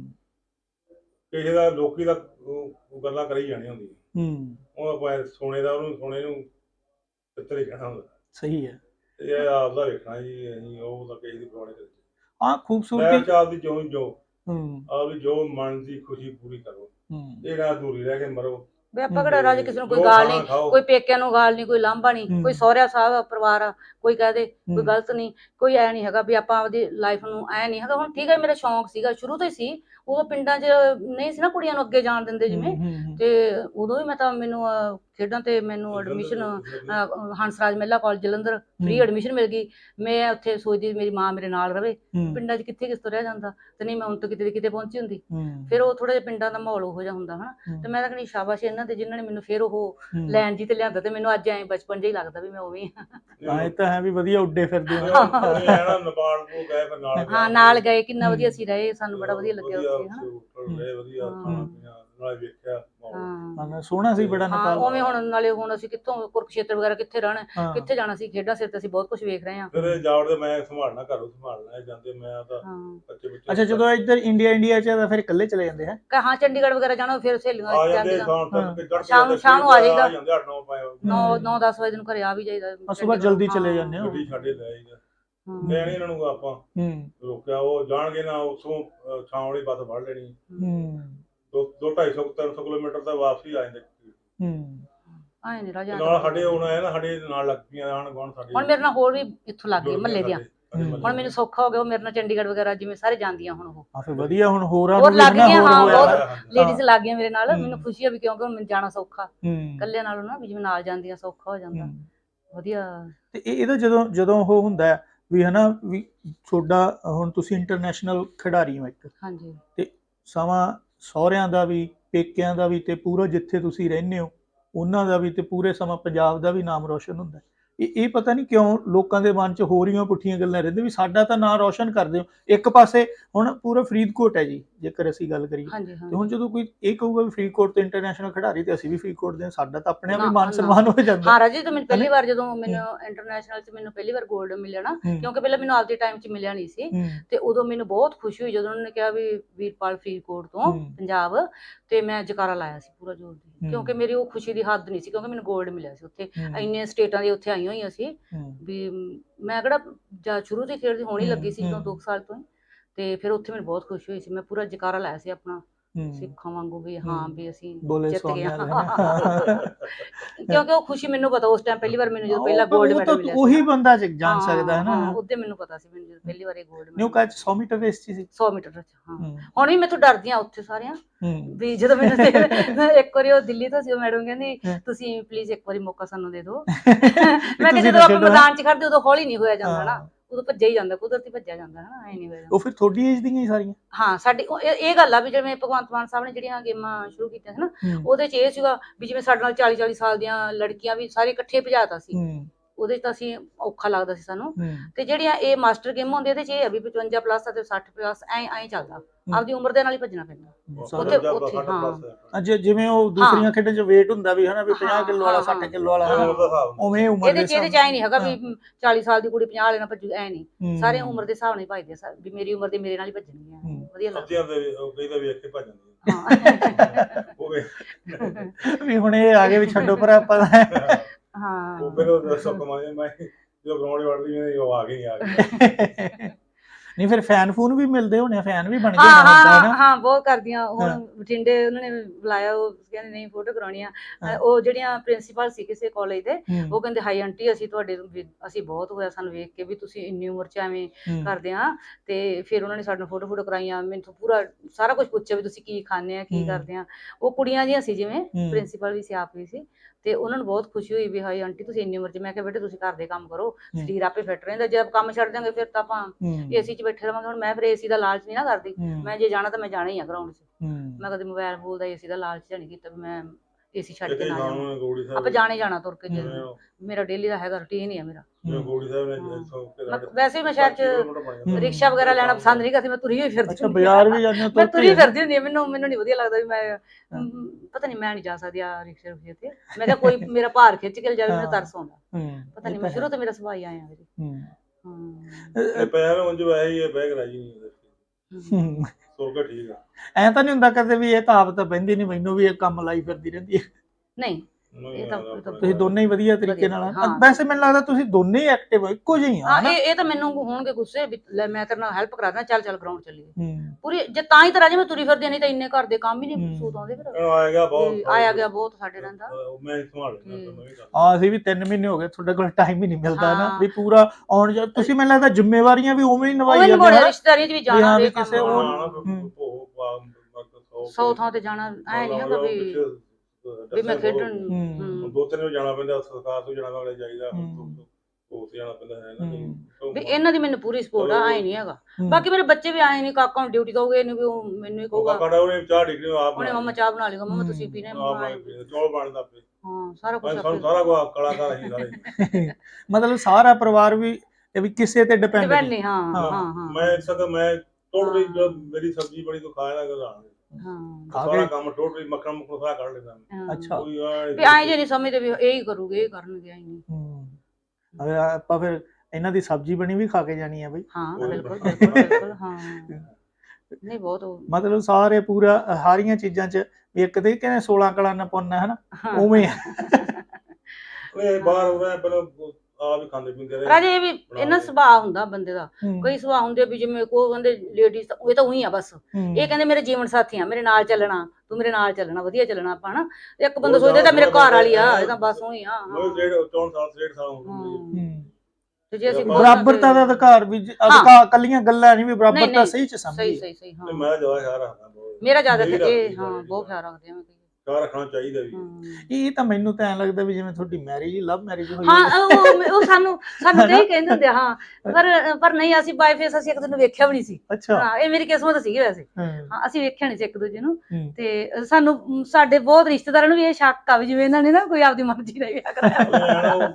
ਕਿਸੇ ਦਾ ਲੋਕੀ ਦਾ ਗੱਲਾਂ ਕਰੀ ਜਾਣੀਆਂ ਹੁੰਦੀਆਂ, ਉਹ ਆਪਾਂ ਸੋਨੇ ਦਾ ਉਹਨੂੰ ਸੋਨੇ ਨੂੰ ਤਿੱਤਰ ਹੀ ਕਹਿਣਾ ਹੁੰਦਾ। ਸਹੀ ਹੈ, ਇਹ ਆਪਦਾ ਵੇਖਣਾ ਜੀ। ਅਸੀਂ ਉਹ ਤਾਂ ਕਿਸੇ ਦੀ ਪਰਵਾਹ ਨਹੀਂ ਕਰਦੇ। ਹਾਂ ਮੈਂ ਖੂਬਸੂਰਤੀ ਚਾਹ ਦੀ ਜੋ ਜੋ ਹੂੰ ਆਪਦੀ ਜੋ ਮਨ ਦੀ ਖੁਸ਼ੀ ਪੂਰੀ ਕਰੋ, ਹੂੰ ਇਹ ਨਾ ਅਧੂਰੀ ਰਹਿ ਕੇ ਮਰੋ। ਵੀ ਆਪਾਂ ਕਿਹੜਾ ਰਾਜ ਕਿਸੇ ਨੂੰ ਕੋਈ ਜੋ ਗਾਲ ਖਾਣਾ ਨਹੀਂ, ਖਾਓ। ਕੋਈ ਪੇਕਿਆਂ ਨੂੰ ਗਾਲ ਨਹੀਂ, ਕੋਈ ਲਾਂਭਾ ਨਹੀਂ, ਕੋਈ ਹੂੰ। ਸਹੁਰਿਆਂ ਸਾਹਿਬ ਪਰਿਵਾਰ ਆ ਕੋਈ ਕਹਿ ਦੇ ਕੋਈ ਹੂੰ। ਗਲਤ ਨਹੀਂ, ਕੋਈ ਐ ਨਹੀਂ ਹੈਗਾ ਵੀ ਆਪਾਂ ਆਪਦੀ ਲਾਈਫ ਨੂੰ ਐ ਨਹੀਂ ਹੈਗਾ। ਹੁਣ ਠੀਕ ਹੈ ਮੇਰਾ ਸ਼ੌਂਕ ਸੀਗਾ ਸ਼ੁਰੂ ਤੋਂ ਹੀ ਸੀ, ਉਦੋਂ ਪਿੰਡਾਂ 'ਚ ਨਹੀਂ ਸੀ ਨਾ ਕੁੜੀਆਂ ਨੂੰ ਅੱਗੇ ਜਾਣ ਦਿੰਦੇ ਜਿਵੇਂ, ਤੇ ਉਦੋਂ ਵੀ ਮੈਂ ਤਾਂ ਮੈਨੂੰ ਖੇਡਾਂ ਤੇ ਮੈਨੂੰ admission Hansraj Mahila college Jalandhar free admission ਮਿਲ ਗਈ। ਮੈਂ ਉੱਥੇ ਸੋਚਦੀ ਮੇਰੀ ਮਾਂ ਮੇਰੇ ਨਾਲ ਰਵੇ, ਪਿੰਡਾਂ 'ਚ ਕਿੱਥੇ ਕਿਸ ਤੋਂ ਰਹਿ ਜਾਂਦਾ, ਤੇ ਨਹੀਂ ਮੈਂ ਹੁਣ ਤੋਂ ਕਿਤੇ ਦੀ ਕਿਤੇ ਪਹੁੰਚੀ ਹੁੰਦੀ। ਫਿਰ ਉਹ ਥੋੜਾ ਜਿਹਾ ਪਿੰਡਾਂ ਦਾ ਮਾਹੌਲ ਉਹੋ ਜਿਹਾ ਹੁੰਦਾ ਹਨਾ, ਤੇ ਮੈਂ ਤਾਂ ਕਹਿੰਦੀ ਸ਼ਾਬਾਸ਼ ਇਹਨਾਂ ਤੇ ਜਿਨ੍ਹਾਂ ਨੇ ਮੈਨੂੰ ਫਿਰ ਉਹ ਲੈਣ ਜੀ ਤੇ ਲਿਆਂਦਾ, ਤੇ ਮੈਨੂੰ ਅੱਜ ਐਂ ਬਚਪਨ ਜਿਹਾ ਹੀ ਲੱਗਦਾ ਵੀ ਮੈਂ ਉਵੇਂ ਹਾਂ ਇਹ ਤਾਂ ਹੈ ਵੀ ਵਧੀਆ ਉੱਡੇ ਫਿਰਦੇ ਹੋ। ਨੇਪਾਲ ਨੂੰ ਗਏ ਫਿਰ ਨਾਲ ਹਾਂ ਨਾਲ ਗਏ, ਕਿੰਨਾ ਵਧੀਆ ਸੀ ਰਹੇ, ਸਾਨੂੰ ਬੜਾ ਵਧੀਆ ਲੱਗਿਆ ਉੱਥੇ ਹਨਾ। ਵਧੀਆ ਖਾਣਾ ਪੀਣਾ ਨਾਲ ਵੇਖਿਆ ਹਾਂ ਸੋਹਣਾ ਸੀ ਬੜਾ ਹਾਂ ਨੇਪਾਲ। ਉਵੇਂ ਹੁਣ ਨਾਲੇ ਹੁਣ ਅਸੀਂ ਕਿੱਥੋਂ ਕੁਰਕਸ਼ੇਤਰ ਵਗੈਰਾ ਕਿੱਥੇ ਰਹਿਣਾ, ਕਿੱਥੇ ਜਾਣਾ ਸੀ, ਖੇਡਾਂ ਸਿਰ ਤੇ ਅਸੀਂ ਬਹੁਤ ਕੁਝ ਵੇਖ ਰਹੇ ਹਾਂ। ਫਿਰ ਜਾਵੜ ਦੇ ਮੈਂ ਸੰਭਾਲਣਾ, ਘਰੋਂ ਸੰਭਾਲਣਾ ਜਾਂਦੇ ਮੈਂ ਤਾਂ ਬੱਚੇ ਬੱਚੇ। ਅੱਛਾ ਜਦੋਂ ਇੱਧਰ ਇੰਡੀਆ ਚ ਤਾਂ ਫਿਰ ਇਕੱਲੇ ਚਲੇ ਜਾਂਦੇ ਹੈ? ਹਾਂ ਚੰਡੀਗੜ੍ਹ ਵਗੈਰਾ ਜਾਣਾ ਫਿਰ ਸਹੇਲੀਆਂ ਆ ਜਾਂਦੇ ਸ਼ਾਮ ਨੂੰ ਆ ਜਾਈਦਾ, 9 9-10 ਵਜੇ ਨੂੰ ਘਰੇ ਆ ਵੀ ਜਾਈਦਾ। ਸੁਬਾਹ ਜਲਦੀ ਚਲੇ ਜਾਂਦੇ ਹੋ? ਗੱਡੀ ਛੱਡੇ ਲੈ ਆਈਦਾ। ਮੈਂ ਨੀ ਇਹਨਾਂ ਨੂੰ ਆਪਾਂ ਰੋਕਿਆ, ਉਹ ਜਾਣਗੇ ਨਾ ਉਸੋਂ ਛਾਂ ਵਾਲੀ ਬੱਸ ਫੜ ਲੈਣੀ। 200-250-300 ਕਿਲੋਮੀਟਰ ਤਾਂ ਵਾਪਸੀ ਆ ਜਾਂਦੇ। ਆਏ ਨੀ ਰਾਜਾ ਨਾਲ ਸਾਡੇ ਹੁਣ ਆਇਆ ਨਾ, ਸਾਡੇ ਨਾਲ ਲੱਗ ਪਈਆਂ ਆਣ ਗਾਣ ਸਾਡੇ। ਹੁਣ ਮੇਰੇ ਨਾਲ ਹੋਰ ਵੀ ਇੱਥੋਂ ਲੱਗ ਗਏ ਮਹੱਲੇ ਦੀਆਂ, ਹੁਣ ਮੈਨੂੰ ਸੌਖਾ ਹੋ ਗਿਆ, ਉਹ ਮੇਰੇ ਨਾਲ ਚੰਡੀਗੜ੍ਹ ਵਗੈਰਾ ਜਿਵੇਂ ਸਾਰੇ ਜਾਂਦੀਆਂ ਹੁਣ ਉਹ। ਹਾਂ ਫਿਰ ਵਧੀਆ, ਹੁਣ ਹੋਰਾਂ ਹੋਰ ਨੂੰ ਲੱਗ ਵੀ ਨਾ ਗਈਆਂ, ਹੋਰ ਹਾਂ ਹੋਇਆ। ਬਹੁਤ ਲੇਡੀਜ਼ ਲੱਗ ਗਈਆਂ ਮੇਰੇ ਨਾਲ, ਮੈਨੂੰ ਖੁਸ਼ੀ ਆ ਵੀ ਕਿਉਂਕਿ ਹੁਣ ਮੈਨੂੰ ਜਾਣਾ ਸੌਖਾ, ਇਕੱਲਿਆਂ ਨਾਲੋਂ ਨਾ ਵੀ ਜਿਵੇਂ ਨਾਲ ਜਾਂਦੀਆਂ ਸੌਖਾ ਹੋ ਜਾਂਦਾ ਵਧੀਆ। ਤੇ ਇਹਦਾ ਜਦੋਂ ਉਹ ਹੁੰਦਾ ਹੈ ਵੀ ਹਨਾ ਵੀ ਤੁਹਾਡਾ ਹੁਣ ਤੁਸੀਂ ਇੰਟਰਨੈਸ਼ਨਲ ਖਿਡਾਰੀ ਹੋ ਇੱਕ, ਹਾਂਜੀ, ਤੇ ਸਮਾਂ ਸਹੁਰਿਆਂ ਦਾ ਵੀ ਪੇਕਿਆਂ ਦਾ ਵੀ ਤੇ ਪੂਰਾ ਜਿੱਥੇ ਤੁਸੀਂ ਰਹਿੰਦੇ ਹੋ ਉਹਨਾਂ ਦਾ ਵੀ, ਤੇ ਪੂਰੇ ਸਮਾਂ ਪੰਜਾਬ ਦਾ ਵੀ ਨਾਮ ਰੋਸ਼ਨ ਹੁੰਦਾ। ਇਹ ਪਤਾ ਨਹੀਂ ਕਿਉਂ ਲੋਕਾਂ ਦੇ ਮਨ 'ਚ ਹੋ ਰਹੀਆਂ ਪੁੱਠੀਆਂ ਗੱਲਾਂ ਰਹਿੰਦੇ ਵੀ ਸਾਡਾ ਤਾਂ ਨਾਂ ਰੋਸ਼ਨ ਕਰਦੇ ਹੋ। ਇੱਕ ਪਾਸੇ ਹੁਣ ਪੂਰਾ ਫਰੀਦਕੋਟ ਹੈ ਜੀ ਜੇਕਰ ਅਸੀਂ ਗੱਲ ਕਰੀਏ, ਤੇ ਹੁਣ ਜਦੋਂ ਕੋਈ ਇਹ ਕਹੂਗਾ ਵੀ ਫਰੀਦਕੋਟ ਤੇ ਇੰਟਰਨੈਸ਼ਨਲ ਖਿਡਾਰੀ ਤੇ ਅਸੀਂ ਵੀ ਫਰੀਦਕੋਟ ਦੇ, ਸਾਡਾ ਤਾਂ ਆਪਣੇ ਆਪ ਹੀ ਮਾਨ ਸਨਮਾਨ ਹੋ ਜਾਂਦਾ। ਹਾਂ ਰਾਜੀ, ਤਾਂ ਮੈਨੂੰ ਪਹਿਲੀ ਵਾਰ ਜਦੋਂ ਮੈਨੂੰ ਇੰਟਰਨੈਸ਼ਨਲ 'ਚ ਮੈਨੂੰ ਪਹਿਲੀ ਵਾਰ 골ਡ ਮਿਲਿਆ ਨਾ, ਕਿਉਂਕਿ ਪਹਿਲਾਂ ਮੈਨੂੰ ਆਪਦੇ ਟਾਈਮ 'ਚ ਮਿਲਿਆ ਨਹੀਂ ਸੀ, ਤੇ ਉਦੋਂ ਮੈਨੂੰ ਬਹੁਤ ਖੁਸ਼ੀ ਹੋਈ ਜਦੋਂ ਉਹਨਾਂ ਨੇ ਕਿਹਾ ਵੀ ਵੀਰਪਾਲ ਫਰੀਦਕੋਟ ਤੋਂ ਪੰਜਾਬ, ਤੇ ਮੈਂ ਜਕਾਰਾ ਲਾਇਆ ਸੀ ਪੂਰਾ ਜ਼ੋਰ ਦੀ, ਕਿਉਂਕਿ ਮੇਰੀ ਉਹ ਖੁਸ਼ੀ ਦੀ ਹੱਦ ਨਹੀਂ ਸੀ, ਕਿਉਂਕਿ ਮੈਨੂੰ 골ਡ ਮਿਲਿਆ ਸੀ ਉੱਥੇ, ਇੰਨੇ ਸਟੇਟਾਂ ਦੇ ਉੱਥੇ ਆਈਆਂ ਹੋਈਆਂ ਸੀ ਵੀ ਮੈਂ ਕਿਹੜਾ ਸ਼ੁਰੂ ਤੋਂ ਹੀ ਖੇਡਦੀ ਹੋਣੀ ਲੱਗੀ ਸੀ ਜਦੋਂ 2 ਸਾਲ ਤੋਂ ਹੀ, ਤੇ ਫਿਰ ਉੱਥੇ ਮੈਨੂੰ ਬਹੁਤ ਖੁਸ਼ੀ ਹੋਈ ਸੀ, ਮੈਂ ਪੂਰਾ ਜਕਾਰਾ ਲਾਇਆ ਸੀ ਆਪਣਾ ਸਿੱਖਾਂ ਵਾਂਗੂ ਵੀ ਹਾਂ ਵੀ ਅਸੀਂ ਜਿੱਤ ਗਏ, ਕਿਉਂਕਿ ਉਹ ਖੁਸ਼ੀ ਮੈਨੂੰ ਪਤਾ ਉਸ ਟਾਈਮ ਪਹਿਲੀ ਵਾਰ ਮੈਨੂੰ ਜਦੋਂ ਪਹਿਲਾ 골ਡ ਮੈਡਲ ਮਿਲਿਆ ਸੀ, ਉਹੀ ਬੰਦਾ ਜਾਣ ਸਕਦਾ ਹੈ ਨਾ, ਉਹਦੇ ਮੈਨੂੰ ਪਤਾ ਸੀ ਮੈਨੂੰ ਜਦੋਂ ਪਹਿਲੀ ਵਾਰ ਇਹ 골ਡ ਮੈਡਲ। ਨਿਊ ਕੱਚ 100 ਮੀਟਰ ਰੇਸ ਸੀ 100 ਮੀਟਰ ਚ, ਹਾਂ ਹੁਣ ਵੀ ਮੈਥੋਂ ਡਰਦੀ ਆ ਉੱਥੇ ਸਾਰਿਆਂ ਵੀ ਜਦੋਂ ਮੈਨੂੰ ਇੱਕ ਵਾਰੀ ਉਹ ਦਿੱਲੀ ਤੋਂ ਸੀ, ਉਹ ਮੈਡਮ ਕਹਿੰਦੀ ਤੁਸੀਂ ਪਲੀਜ਼ ਇੱਕ ਵਾਰੀ ਮੌਕਾ ਸਾਨੂੰ ਦੇ ਦਿਓ। ਮੈਂ ਕਿਹਾ ਜਦੋਂ ਆਪਾਂ ਮੈਦਾਨ ਚ ਖੜਦੇ ਉਦੋਂ ਹੌਲੀ ਨਹੀਂ ਹੋਇਆ ਜਾਂਦਾ ਨਾ, ਉਦੋਂ ਭੱਜਿਆ ਹੀ ਜਾਂਦਾ, ਕੁਦਰਤੀ ਭੱਜਿਆ ਜਾਂਦਾ ਹਨਾ, ਐ ਨਹੀਂ ਹੋਇਆ। ਉਹ ਫਿਰ ਤੁਹਾਡੀ ਏਜ ਦੀਆਂ ਹੀ ਸਾਰੀਆਂ? ਹਾਂ ਸਾਡੀ ਇਹ ਗੱਲ ਆ ਵੀ ਜਿਵੇਂ ਭਗਵੰਤ ਮਾਨ ਸਾਹਿਬ ਨੇ ਜਿਹੜੀਆਂ ਗੇਮਾਂ ਸ਼ੁਰੂ ਕੀਤੀਆਂ ਸੀ ਨਾ, ਉਹਦੇ ਚ ਇਹ ਸੀਗਾ ਵੀ ਜਿਵੇਂ ਸਾਡੇ ਨਾਲ 40-40 ਸਾਲ ਦੀਆਂ ਲੜਕੀਆਂ ਵੀ ਸਾਰੇ ਇਕੱਠੇ ਭਜਾਤਾ ਸੀ, ਉਹਦੇ 'ਚ ਤਾਂ ਅਸੀਂ ਔਖਾ ਲੱਗਦਾ ਸੀ ਸਾਨੂੰ, ਤੇ ਜਿਹੜੀਆਂ ਇਹ ਮਾਸਟਰ ਗੇਮ ਹੁੰਦੀਆਂ ਇਹਦੇ 'ਚ ਇਹ ਆ ਵੀ 55 ਪਲੱਸ ਅਤੇ 60 ਪਲੱਸ ਐਂ ਚੱਲਦਾ, ਆਪਦੀ ਉਮਰ ਦੇ ਨਾਲ ਹੀ ਭੱਜਣਾ ਪੈਂਦਾ ਉੱਥੇ। ਹਾਂ ਜਿਵੇਂ ਉਹ ਦੂਸਰੀਆਂ ਖੇਡਾਂ 'ਚ ਵੇਟ ਹੁੰਦਾ ਵੀ ਹਨਾ ਵੀ 50 ਕਿਲੋ ਵਾਲਾ 60 ਕਿਲੋ ਵਾਲਾ, ਉਵੇਂ ਉਮਰ ਦੇ ਇਹਦੇ 'ਚ ਐ ਨਹੀਂ ਹੈਗਾ ਵੀ 40 ਸਾਲ ਦੀ ਕੁੜੀ 50 ਵਾਲੇ ਨਾਲ ਭੱਜੂ, ਐ ਨਹੀਂ, ਸਾਰੇ ਉਮਰ ਦੇ ਹਿਸਾਬ ਨਾਲ ਭੱਜਦੇ ਆ ਵੀ ਮੇਰੀ ਉਮਰ ਦੇ ਮੇਰੇ ਨਾਲ ਹੀ ਭੱਜਣੀ ਆ, ਵਧੀਆ ਲੱਗਦਾ ਵੀ ਹੁਣ ਇਹ ਆ ਗਏ ਵੀ ਛੱਡੋ ਪਰ ਆਪਾਂ ਹਾਂ ਉਹ ਫਿਰ ਸੁੱਕ ਮਾਰੇ ਮੈਂ ਜੋ ਗਰਾਊਂਡ ਵੜਦੀ ਮੈਂ ਉਹ ਆ ਗਈ ਨਹੀਂ ਫਿਰ ਫੈਨ ਫੂਨ ਵੀ ਮਿਲਦੇ ਹੋਣੇ, ਫੈਨ ਵੀ ਬਣ ਗਏ ਹਾਂ ਬਹੁਤ ਕਰਦੀਆਂ। ਹੁਣ ਬਠਿੰਡੇ ਉਹਨਾਂ ਨੇ ਬੁਲਾਇਆ, ਉਹ ਕਹਿੰਦੇ ਨਹੀਂ ਫੋਟੋ ਕਰਾਉਣੀ ਆ, ਉਹ ਜਿਹੜੀਆਂ ਪ੍ਰਿੰਸੀਪਲ ਸੀ ਕਿਸੇ ਕਾਲਜ ਦੇ, ਉਹ ਕਹਿੰਦੇ ਹਾਈ ਆਂਟੀ ਅਸੀਂ ਤੁਹਾਡੇ ਅਸੀਂ ਬਹੁਤ ਹੋਇਆ ਸਾਨੂੰ ਵੇਖ ਕੇ ਵੀ ਤੁਸੀਂ ਇੰਨੀ ਉਮਰ ਚ ਐਵੇਂ ਕਰਦੇ ਆ, ਤੇ ਫਿਰ ਉਹਨਾਂ ਨੇ ਸਾਡੇ ਨਾਲ ਫੋਟੋ ਕਰਾਈਆਂ, ਮੈਨੂੰ ਪੂਰਾ ਸਾਰਾ ਕੁਝ ਪੁੱਛਿਆ ਵੀ ਤੁਸੀਂ ਕੀ ਖਾਂਦੇ ਆ ਕੀ ਕਰਦੇ ਆ। ਉਹ ਕੁੜੀਆਂ ਜਿਹੀਆਂ ਸੀ ਜਿਵੇਂ ਪ੍ਰਿੰਸੀਪਲ ਵੀ ਸੀ ਆਪ ਵੀ ਸੀ, ਤੇ ਉਹਨਾਂ ਨੂੰ ਬਹੁਤ ਖੁਸ਼ੀ ਹੋਈ ਵੀ ਹਾਈ ਆਂਟੀ ਤੁਸੀਂ ਇੰਨੀ ਉਮਰ ਚ। ਮੈਂ ਕਿਹਾ ਬੇਟੇ ਤੁਸੀਂ ਘਰ ਦੇ ਕੰਮ ਕਰੋ, ਸਰੀਰ ਆਪੇ ਫਿੱਟ ਰਹਿੰਦਾ, ਜੇ ਕੰਮ ਛੱਡ ਦਿਆਂਗੇ ਫਿਰ ਤਾਂ ਆਪਾਂ ਏਸੀ 'ਚ ਬੈਠੇ ਰਵਾਂਗੇ। ਹੁਣ ਮੈਂ ਫਿਰ ਏਸੀ ਦਾ ਲਾਲਚ ਨਹੀਂ ਨਾ ਕਰਦੀ, ਮੈਂ ਜੇ ਜਾਣਾ ਤਾਂ ਮੈਂ ਜਾਣਾ ਹੀ ਆ ਗਰਾਊਂਡ 'ਚ, ਮੈਂ ਕਦੇ ਮੋਬਾਈਲ ਫੋਨ ਦਾ ਏਸੀ ਦਾ ਲਾਲਚ ਨਹੀਂ ਕੀਤਾ ਵੀ ਮੈਂ ਏਸੀ ਛੱਡ ਕੇ ਨਾ ਜਾਵਾਂ, ਆਪਾਂ ਜਾਣੇ ਜਾਣਾ ਤੁਰ ਕੇ, ਮੇਰਾ ਡੇਲੀ ਦਾ ਹੈਗਾ ਰੂਟੀਨ ਹੀ ਆ ਮੇਰਾ। ਵੈਸੇ ਮੈਂ ਸ਼ਹਿਰ 'ਚ ਰਿਕਸ਼ਾ ਵਗੈਰਾ ਲੈਣਾ ਪਸੰਦ ਨਹੀਂ ਕਰਦੀ, ਮੈਂ ਤੁਰੀ ਹੋਈ ਫਿਰਦੀ, ਬਾਜ਼ਾਰ ਵੀ ਜਾਂਦੀ, ਮੈਂ ਤੁਰੀ ਫਿਰਦੀ ਹੁੰਦੀ ਆ, ਮੈਨੂੰ ਨਹੀਂ ਵਧੀਆ ਲੱਗਦਾ ਵੀ ਮੈਂ ਪਤਾ ਨਹੀਂ ਮੈਂ ਨਹੀਂ ਜਾ ਸਕਦੀ ਆ ਰਿਕਸ਼ੇ ਰੁਕਸ਼ੇ ਤੇ, ਮੈਂ ਕਿਹਾ ਕੋਈ ਮੇਰਾ ਭਾਰ ਖਿੱਚ ਕੇ ਜਾਵੇ, ਮੈਨੂੰ ਤਰਸ ਆਉਂਦਾ, ਪਤਾ ਨਹੀਂ ਮੈਂ ਸ਼ੁਰੂ ਤੋਂ ਮੇਰਾ ਸੁਭਾਅ ਹੀ ਆਇਆ ਵੀਰੇ। ਪੈਰ ਉਂਝ ਵੈਸੇ ਹੀ ਬੈਗ ਰਾਜੀ ਨਹੀਂ ਸੋਗਾ ਠੀਕ ਆ, ਐ ਤਾਂ ਨਹੀਂ ਹੁੰਦਾ ਕਦੇ ਵੀ ਇਹ ਤਾਂ ਆਪ ਤਾਂ ਬਹਿੰਦੀ ਨਹੀਂ, ਮੈਨੂੰ ਵੀ ਇਹ ਕੰਮ ਲਾਈ ਫਿਰਦੀ ਰਹਿੰਦੀ ਹੈ? ਨਹੀਂ ਇਹ ਤਾਂ ਤੁਸੀਂ ਦੋਨੇ ਹੀ ਵਧੀਆ ਤਰੀਕੇ ਨਾਲ ਹਾਂ। ਵੈਸੇ ਮੈਨੂੰ ਲੱਗਦਾ ਤੁਸੀਂ ਦੋਨੇ ਹੀ ਐਕਟਿਵ ਹੋ, ਇੱਕੋ ਜਿਹੇ ਆ ਹਾਂ ਇਹ ਤਾਂ ਮੈਨੂੰ ਹੋਣਗੇ ਗੁੱਸੇ ਵੀ ਲੈ ਮੈਂ ਤੇਰੇ ਨਾਲ ਹੈਲਪ ਕਰਾ ਦਾਂ, ਚੱਲ ਗਰਾਊਂਡ ਚੱਲੀਏ ਪੂਰੀ ਜੇ ਤਾਂ ਹੀ ਤਾਂ ਰਾਜੇ ਮੈਂ ਤੁਰੀ ਫਿਰਦੀ ਨਹੀਂ ਤਾਂ ਇੰਨੇ ਘਰ ਦੇ ਕੰਮ ਹੀ ਨਹੀਂ ਸੂਤ ਆਉਂਦੇ ਫਿਰ ਆਇਆ ਗਿਆ ਬਹੁਤ ਸਾਡੇ ਰਹਿੰਦਾ ਮੈਂ ਸੰਭਾਲ ਅਸੀਂ ਵੀ 3 ਮਹੀਨੇ ਹੋ ਗਏ, ਤੁਹਾਡੇ ਕੋਲ ਟਾਈਮ ਹੀ ਨਹੀਂ ਮਿਲਦਾ ਨਾ ਵੀ ਪੂਰਾ ਆਉਣ ਜਾ। ਤੁਸੀਂ ਮੈਨੂੰ ਲੱਗਦਾ ਜ਼ਿੰਮੇਵਾਰੀਆਂ ਵੀ ਉਵੇਂ ਹੀ ਨਿਭਾਈ ਜਾਂਦੇ ਹੋ, ਰਿਸ਼ਤੇਦਾਰੀਆਂ 'ਚ ਵੀ ਜਾਣਾ ਵੀ ਕਿਸੇ ਸੌ ਥਾਂ ਤੇ ਜਾਣਾ ਐ ਨਹੀਂ ਹੈਗਾ ਵੀ ਮੈਂ ਖੇਡਣ 2-3 ਵਜੇ ਜਾਣਾ ਪੈਂਦਾ, ਸਰਕਾਰ ਤੋਂ ਜਾਣਾ ਵਾਲੇ ਜਾਈਦਾ, ਉਸ ਜਾਣਾ ਪੈਂਦਾ ਹੈ ਨਾ ਵੀ ਇਹਨਾਂ ਦੀ ਮੈਨੂੰ ਪੂਰੀ ਸਪੋਰਟ ਆ, ਐ ਨਹੀਂ ਹੈਗਾ। ਬਾਕੀ ਮੇਰੇ ਬੱਚੇ ਵੀ ਆਏ ਨਹੀਂ, ਕਾਕਾ ਨੂੰ ਡਿਊਟੀ ਕਹੋਗੇ ਇਹਨੂੰ ਵੀ ਉਹ ਮੈਨੂੰ ਹੀ ਕਹੂਗਾ ਕਾਕਾ ਉਹਨੇ ਚਾਹ ਡਿਗਰੀ ਆਪ ਉਹਨੇ ਮੰਮਾ ਚਾਹ ਬਣਾ ਲੇਗਾ, ਮੰਮਾ ਤੁਸੀਂ ਪੀਣੇ ਚੌਲ ਬਣਦਾ ਪਏ, ਹਾਂ ਸਾਰਾ ਕੁਝ ਸਾਰਾ ਕੁਝ ਕਲਾਕਾਰ ਹੀ ਸਾਰੇ ਮਤਲਬ ਸਾਰਾ ਪਰਿਵਾਰ ਵੀ ਕਿਸੇ ਤੇ ਡਿਪੈਂਡ ਨਹੀਂ। ਹਾਂ ਮੈਂ ਟੋਟਲੀ ਮੇਰੀ ਸਬਜ਼ੀ ਬੜੀ ਤੋਂ ਖਾਇਆ ਨਾ ਕਰਾਂ ਸਾਰਾ ਕੰਮ ਟੋਟਲੀ ਮੱਖਣ ਮੁੱਖਣ ਸਾਰਾ ਕੱਢ ਲੈਂਦਾ। ਅੱਛਾ ਵੀ ਐਂ ਜੇ ਨਹੀਂ ਸਮਝਦੇ ਵੀ ਇਹ ਹੀ ਕਰੂਗੇ ਇਹ ਕਰਨਗੇ ਐ ਨਹੀਂ। ਆਪਾਂ ਫਿਰ ਇਹਨਾਂ ਦੀ ਸਬਜ਼ੀ ਬਣੀ ਵੀ ਖਾ ਕੇ ਜਾਣੀ ਆ ਬਈ। ਹਾਂ ਬਿਲਕੁਲ ਬਿਲਕੁਲ ਹਾਂ ਨਹੀਂ ਬਹੁਤ ਮਤਲਬ ਸਾਰੇ ਪੂਰਾ ਸਾਰੀਆਂ ਚੀਜ਼ਾਂ 'ਚ ਇੱਕ ਤੇ ਕਹਿੰਦੇ 16 ਕਲਾ ਨਾ ਪੁੰਨ ਹੈ ਨਾ, ਉਵੇਂ ਇਹ ਬਾਹਰ ਉਹ ਪਹਿਲਾਂ ਆ ਵੀ ਖਾਂਦੇ ਪੀਂਦੇ ਰਹੇ ਰਾਜੇ। ਇਹ ਵੀ ਇਹਨਾਂ ਸੁਭਾਅ ਹੁੰਦਾ ਬੰਦੇ ਦਾ, ਕਈ ਸੁਭਾਅ ਹੁੰਦੇ ਵੀ ਜਿਵੇਂ ਕੋਈ ਕਹਿੰਦੇ ਲੇਡੀਜ਼ ਇਹ ਤਾਂ ਉਹੀ ਆ ਬਸ, ਇਹ ਕਹਿੰਦੇ ਮੇਰੇ ਜੀਵਨ ਸਾਥੀ ਆ, ਮੇਰੇ ਨਾਲ ਚੱਲਣਾ, ਤੂੰ ਮੇਰੇ ਨਾਲ ਚੱਲਣਾ, ਵਧੀਆ ਚੱਲਣਾ ਆਪਾਂ ਹਨਾ। ਇੱਕ ਬੰਦਾ ਸੋਚਦਾ ਤਾਂ ਮੇਰੇ ਘਰ ਵਾਲੀ ਆ, ਇਹ ਤਾਂ ਬਸ ਉਹੀ ਆ। ਤੇ ਜੇ ਅਸੀਂ ਬਰਾਬਰਤਾ ਦਾ ਅਧਿਕਾਰ ਵੀ ਕੱਲੀਆਂ ਗੱਲਾਂ ਨਹੀਂ ਵੀ ਬਰਾਬਰਤਾ ਸਹੀ ਚ ਸਮਝੀ। ਸਹੀ ਹਾਂ ਮੈਂ ਜ਼ਿਆਦਾ ਖਿਆਲ ਰੱਖਦਾ, ਮੇਰਾ ਜ਼ਿਆਦਾ ਇਹ ਹਾਂ ਬਹੁਤ ਖਿਆਲ ਰੱਖਦੇ ਆ। ਖਿਆਲ ਰੱਖਣਾ ਚਾਹੀਦਾ ਵੀ। ਇਹ ਤਾਂ ਮੈਨੂੰ ਤਾਂ ਐਂ ਲੱਗਦਾ ਵੀ ਜਿਵੇਂ ਤੁਹਾਡੀ ਮੈਰਿਜ ਲਵ ਮੈਰਿਜ ਹੋਈ। ਹਾਂ ਉਹ ਸਾਨੂੰ ਤੇ ਹੀ ਕਹਿੰਦੇ ਹੁੰਦੇ ਹਾਂ, ਪਰ ਨਹੀਂ ਅਸੀਂ ਬਾਈ ਫੇਸ ਅਸੀਂ ਇੱਕ ਦੂਜੇ ਨੂੰ ਵੇਖਿਆ ਵੀ ਨਹੀਂ ਸੀ। ਹਾਂ ਇਹ ਮੇਰੀ ਕਿਸਮਤ ਸੀਗੀ ਵੈਸੇ। ਹਾਂ ਅਸੀਂ ਵੇਖਿਆ ਨਹੀਂ ਸੀ ਇੱਕ ਦੂਜੇ ਨੂੰ, ਤੇ ਸਾਨੂੰ ਸਾਡੇ ਬਹੁਤ ਰਿਸ਼ਤੇਦਾਰਾਂ ਨੂੰ ਵੀ ਇਹ ਸ਼ੱਕ ਆ ਵੀ ਜਿਵੇਂ ਇਹਨਾਂ ਨੇ ਨਾ ਕੋਈ ਆਪਦੀ ਮਰਜ਼ੀ ਨਾਲ ਵਿਆਹ ਕਰਾਇਆ।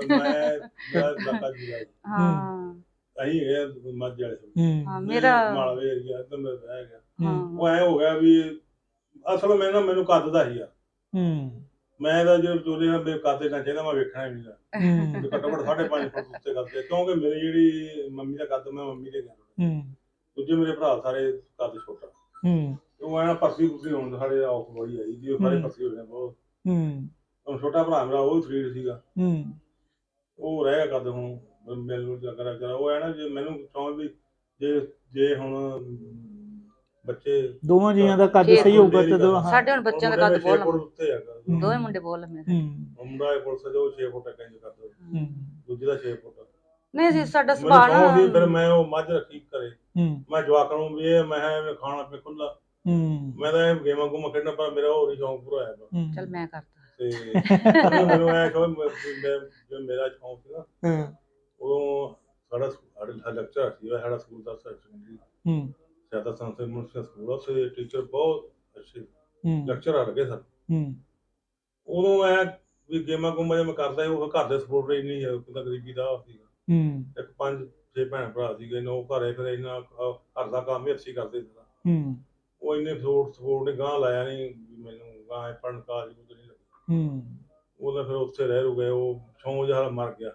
ਹਾਂ ਅਹੀਂ ਇਹ ਮੱਝ ਵਾਲੇ ਹਾਂ ਮੇਰਾ ਮਾਲਵੇ ਏਰੀਆ ਤੇ ਮੈਂ ਰਹਿ ਗਿਆ। ਉਹ ਐ ਹੋ ਗਿਆ ਵੀ ਅਸਲ ਮੈਨੂੰ ਕੱਦ ਦਾ ਹੀ ਆ। ਮੈਂ ਤਾਂ ਜੇ ਵਿਚੋਲੇ ਨਾਲ ਕੱਦ ਨਾ ਚਾਹੀਦਾ, ਮੈਂ ਵੇਖਣਾ ਹੀ ਨਹੀਂ ਘੱਟੋ ਘੱਟ 5.5 ਫੁੱਟ ਉੱਤੇ ਕਰਦੇ, ਕਿਉਂਕਿ ਮੇਰੀ ਜਿਹੜੀ ਮੰਮੀ ਦਾ ਕੱਦ ਮੈਂ ਮੰਮੀ ਦੇ ਗਿਆ, ਦੂਜੇ ਮੇਰੇ ਭਰਾ ਸਾਰੇ ਕੱਦ ਛੋਟਾ। ਉਹ ਐ ਪਰਸੀ ਪੁਰਸੀ ਹੋਣ ਸਾਡੇ ਔਖ ਬੜੀ ਆਈ ਜੀ, ਸਾਰੇ ਪਰਸੀ ਹੋ ਗਏ ਬਹੁਤ। ਹੁਣ ਛੋਟਾ ਭਰਾ ਮੇਰਾ ਉਹ ਫਰੀਡ ਸੀਗਾ, ਉਹ ਰਹਿ ਗਿਆ ਕੱਦ। ਹੁਣ ਮੈਨੂੰ ਕਰਾ ਉਹ ਹੈ ਨਾ ਜੇ ਮੈਨੂੰ ਸਮਝ ਵੀ ਜੇ ਹੁਣ ਬੱਚੇ ਦੋਵਾਂ ਜੀਆਂ ਦਾ ਕੱਦ ਸਹੀ ਹੋਊਗਾ ਤੇ ਸਾਡੇ ਹੁਣ ਬੱਚਿਆਂ ਦਾ ਕੱਦ ਬਹੁਤ ਲੰਮਾ, ਉੱਤੇ ਹੈਗਾ, ਦੋਵੇਂ ਮੁੰਡੇ ਬਹੁਤ ਲੰਮੇ। ਮੁੰਡਾ ਇਹ ਪੁਲਿਸ ਜੋ 6 ਫੁੱਟ ਇੰਜ ਕਰਦਾ, ਦੂਜੇ ਦਾ 6 ਫੁੱਟ ਨਹੀਂ ਸੀ ਸਾਡਾ ਸੁਭਾਅ ਨਾ। ਫਿਰ ਮੈਂ ਉਹ ਮੱਝ ਰੱਖੀ ਘਰੇ, ਮੈਂ ਜਵਾਕਾਂ ਨੂੰ ਵੀ ਇਹ ਮੈਂ ਖਾਣਾ ਪੀ ਖੁੱਲਾ, ਮੈਂ ਤਾਂ ਇਹ ਗੇਮਾਂ ਗੂਮਾਂ ਖੇਡਣਾ, ਪਰ ਮੇਰਾ ਹੋਰ ਹੀ ਸ਼ੌਂਕ ਪੂਰਾ ਹੋਇਆ। ਚੱਲ ਮੈਂ ਕਰਤਾ ਤੇ ਮੈਨੂੰ ਐ ਜੋ ਮੇਰਾ ਸ਼ੌਂਕ ਸੀ ਨਾ, ਉਦੋਂ ਸਾਡਾ ਲੈਕਚਰ ਸੀ ਸਾਡਾ ਸਕੂਲ ਦਾ ਜ਼ਿਆਦਾ ਸੰਸਦ ਮੁਨਸਿਪਲ ਸਕੂਲ, ਉੱਥੇ ਟੀਚਰ ਬਹੁਤ ਅੱਛੇ ਲੈਕਚਰ ਲੱਗੇ ਸਨ। ਉਦੋਂ ਐ ਵੀ ਗੇਮਾਂ ਗੂਮਾਂ ਮੈਂ ਕਰਦਾ ਸੀ, ਉਹ ਘਰ ਦੇ ਸਪੋਰਟ ਇੰਨੀ ਗਰੀਬੀ ਦਾ ਸੀਗਾ। ਇੱਕ 5-6 ਭੈਣ ਭਰਾ ਸੀਗੇ, ਉਹ ਘਰੇ ਫਿਰ ਇੰਨਾ ਘਰ ਦਾ ਕੰਮ ਹੀ ਅੱਛੀ ਕਰਦੇ ਸੀ। ਉਹ ਇੰਨੇ ਸਪੋਰਟ ਨੇ ਗਾਂ ਲਾਇਆ ਨਹੀਂ ਮੈਨੂੰ, ਗਾਂ ਪੜ੍ਹਨ ਕਾਲਜ ਕੁਝ ਨਹੀਂ ਲੱਗੀ। ਉਹਦਾ ਫਿਰ ਉੱਥੇ ਰਹਿ ਰੂ ਗਏ, ਉਹ ਸ਼ੌਂਕ ਜਿਹਾ ਮਰ ਗਿਆ।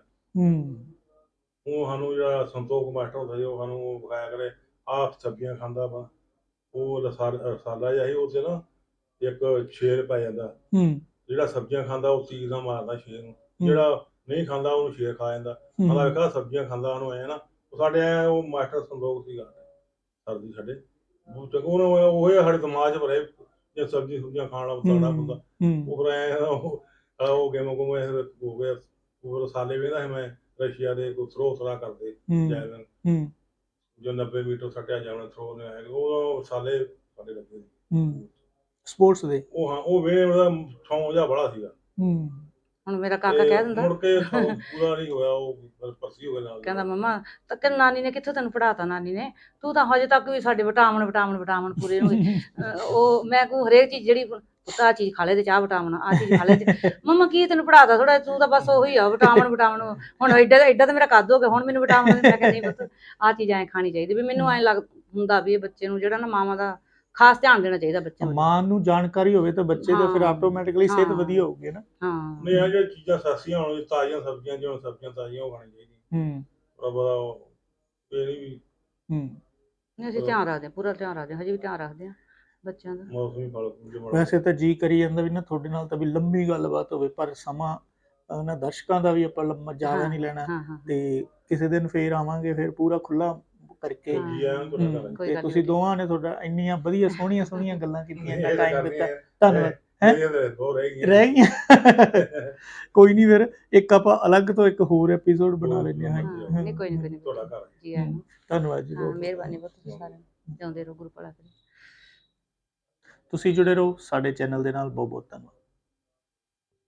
ਉਹ ਸਾਨੂੰ ਜਿਹੜਾ ਸੰਤੋਖ ਮਾਸਟਰ ਹੁੰਦਾ ਸੀ, ਉਹ ਸਾਨੂੰ ਵਿਖਾਇਆ ਕਰੇ ਆਪ ਸਬਜ਼ੀਆਂ ਖਾਂਦਾ ਵਾ, ਉਹ ਰਸਾਲਾ ਜਿਹਾ ਸੀ, ਉੱਥੇ ਨਾ ਇੱਕ ਸ਼ੇਰ ਪੈ ਜਾਂਦਾ, ਜਿਹੜਾ ਸਬਜ਼ੀਆਂ ਖਾਂਦਾ ਉਹ ਤੀਰ ਨਾਲ ਮਾਰਦਾ ਸ਼ੇਰ ਨੂੰ, ਜਿਹੜਾ ਨਹੀਂ ਖਾਂਦਾ ਉਹਨੂੰ ਸ਼ੇਰ ਖਾ ਜਾਂਦਾ। ਮਤਲਬ ਵੇਖਾ ਸਬਜ਼ੀਆਂ ਖਾਂਦਾ ਉਹਨੂੰ ਐ ਨਾ, ਸਾਡੇ ਐ ਉਹ ਮਾਸਟਰ ਸੰਤੋਖ ਸੀਗਾ ਸਰਦੀ ਸਾਡੇ ਉਹਨੂੰ ਉਹ ਸਾਡੇ ਦਿਮਾਗ 'ਚ ਭਰੇ ਜੇ ਸਬਜ਼ੀ ਸੁਬਜ਼ੀਆਂ ਖਾਣ ਵਾਲਾ ਤਗੜਾ ਹੁੰਦਾ। ਉਹ ਫਿਰ ਐ ਉਹ ਗੇਮਾਂ ਗੂਮਾਂ ਹੋ ਗਿਆ, ਉਹ ਰਸਾਲੇ ਵੇਖਦਾ ਸੀ ਮੈਂ, ਰਸ਼ੀਆ ਦੇ ਕੋਈ ਥਰੋ ਥਰਾ ਕਰਦੇ ਜੈਵਲਿਨ, ਜੋ 90 ਮੀਟਰ ਸੱਟਿਆ ਜਾਣਾ ਥਰੋ ਨੇ, ਉਹ ਸਾਲੇ ਸਾਡੇ ਲੱਗੇ ਸਪੋਰਟਸ ਦੇ। ਉਹ ਹਾਂ ਉਹ ਵੇ ਉਹਦਾ ਸ਼ੌਂਕ ਜਿਹਾ ਬੜਾ ਸੀਗਾ। ਹੁਣ ਮੇਰਾ ਕਾਕਾ ਕਹਿ ਦਿੰਦਾ ਮੁੜ ਕੇ ਪੂਰਾ ਨਹੀਂ ਹੋਇਆ, ਉਹ ਪਰਸੀ ਹੋ ਗਿਆ ਨਾਲ। ਕਹਿੰਦਾ ਮੰਮਾ ਤਾਂ ਨਾਨੀ ਨੇ ਕਿੱਥੋਂ ਤੈਨੂੰ ਪੜ੍ਹਾਤਾ, ਨਾਨੀ ਨੇ ਤੂੰ ਤਾਂ ਹਜੇ ਤੱਕ ਵੀ ਸਾਡੇ ਵਿਟਾਮਿਨ ਪੂਰੇ ਹੋਏ। ਉਹ ਮੈਂ ਕੋ ਹਰੇਕ ਚੀਜ਼ ਜਿਹੜੀ ਆਹ ਚੀਜ਼ ਖਾ ਲੈ ਤੇ ਚਾਹ ਵਿਟਾਮਿਨ, ਆਹ ਚੀਜ਼ ਖਾ ਲੈ ਤੇ ਮੰਮਾ ਕੀ ਤੈਨੂੰ ਪੜ੍ਹਾਤਾ ਥੋੜਾ, ਤੂੰ ਤਾਂ ਬਸ ਉਹੀ ਆ ਵਿਟਾਮਿਨ। ਹੁਣ ਐਡਾ ਤਾਂ ਮੇਰਾ ਕੱਦ ਹੋ ਗਿਆ, ਹੁਣ ਮੈਨੂੰ ਵਿਟਾਮਿਨ ਮੈਂ ਕਹਿੰਦਾ ਨਹੀਂ ਪੁੱਤ ਆਹ ਚੀਜ਼ ਐਂ ਖਾਣੀ ਚਾਹੀਦੀ। ਵੀ ਮੈਨੂੰ ਐਂ ਹੁੰਦਾ ਵੀ ਇਹ ਬੱਚੇ ਨੂੰ ਜਿਹੜਾ ਨਾ ਮਾਵਾਂ ਦਾ ਖਾਸ ਧਿਆਨ ਦੇਣਾ ਚਾਹੀਦਾ ਬੱਚੇ ਨੂੰ। ਮਾਂ ਨੂੰ ਜਾਣਕਾਰੀ ਹੋਵੇ ਤਾਂ ਬੱਚੇ ਦਾ ਫਿਰ ਆਟੋਮੈਟਿਕਲੀ ਸਿਹਤ ਵਧੀਆ ਹੋਊਗੀ ਨਾ। ਨਹੀਂ ਇਹ ਜਿਹੜੀਆਂ ਚੀਜ਼ਾਂ ਸਸਤੀਆਂ ਹੋਣ, ਤਾਜ਼ੀਆਂ ਸਬਜ਼ੀਆਂ ਜਿਵੇਂ ਸਬਜ਼ੀਆਂ ਤਾਜ਼ੀਆਂ ਉਹ ਖਾਣੀ ਚਾਹੀਦੀਆਂ। ਇਹ ਨਹੀਂ ਵੀ ਅਸੀਂ ਧਿਆਨ ਰੱਖਦੇ ਹਾਂ, ਪੂਰਾ ਧਿਆਨ ਰੱਖਦੇ ਹਾਂ, ਹਜੇ ਵੀ ਧਿਆਨ ਰੱਖਦੇ ਹਾਂ। ਬੱਚਿਆਂ ਦਾ। ਮੌਸਮੀ ਫਲ ਫੁੱਲ ਬਣਾ ਵੈਸੇ ਤਾਂ ਜੀ ਕਰੀ ਜਾਂਦਾ ਵੀ ਨਾ ਤੁਹਾਡੇ ਨਾਲ ਤਾਂ ਵੀ ਲੰਬੀ ਗੱਲਬਾਤ ਹੋਵੇ, ਪਰ ਸਮਾਂ ਨਾ ਦਰਸ਼ਕਾਂ ਦਾ ਵੀ ਆਪਾਂ ਲੰਮਾ ਜ਼ਿਆਦਾ ਨਹੀਂ ਲੈਣਾ, ਹਾਂ ਹਾਂ ਤੇ ਕਿਸੇ ਦਿਨ ਫੇਰ ਆਵਾਂਗੇ, ਫਿਰ ਪੂਰਾ ਖੁੱਲਾ ਕਰਕੇ। ਹਾਂ। ਜੀ ਆਇਆਂ ਤੁਹਾਡਾ ਘਰ ਕੋਈ ਤੇ ਗੱਲ ਨੀ ਤੁਸੀਂ ਵੀਰੇ। ਦੋਵਾਂ ਨੇ ਤੁਹਾਡਾ ਇੰਨੀਆਂ ਵਧੀਆ ਸੋਹਣੀਆਂ ਗੱਲਾਂ ਕੀਤੀਆਂ, ਇੰਨਾ ਇਹ ਤਾਂ ਟਾਈਮ ਕਰਨੀ ਦਿੱਤਾ, ਹੈ। ਧੰਨਵਾਦ। ਮੇਰੀਆਂ ਤਾਂ ਦੋ ਰਹਿ ਗਈਆਂ। ਰਹਿ ਗਈਆਂ ਕੋਈ ਨਹੀਂ, ਫਿਰ ਇੱਕ ਆਪਾਂ ਅਲੱਗ ਤੋਂ ਇੱਕ ਹੋਰ ਐਪੀਸੋਡ ਬਣਾ ਲੈਂਦੇ ਹਾਂ। ਹਾਂ ਨਹੀਂ ਕੋਈ ਨਹੀਂ ਤੁਹਾਡਾ ਘਰ ਜੀ ਆਇਆਂ ਨੂੰ। ਧੰਨਵਾਦ ਜੀ, ਹਾਂ ਬਹੁਤ ਮਿਹਰਬਾਨੀ ਬਹੁਤ, ਤੁਸੀਂ ਸਾਰਿਆਂ ਨੂੰ ਜਿਉਂਦੇ ਰਹੋ, ਗੁਰੂ ਭਲਾ ਕਰੇ। ਤੁਸੀਂ ਜੁੜੇ ਰਹੋ ਸਾਡੇ ਚੈਨਲ ਦੇ ਨਾਲ। ਬਹੁਤ ਬਹੁਤ ਧੰਨਵਾਦ।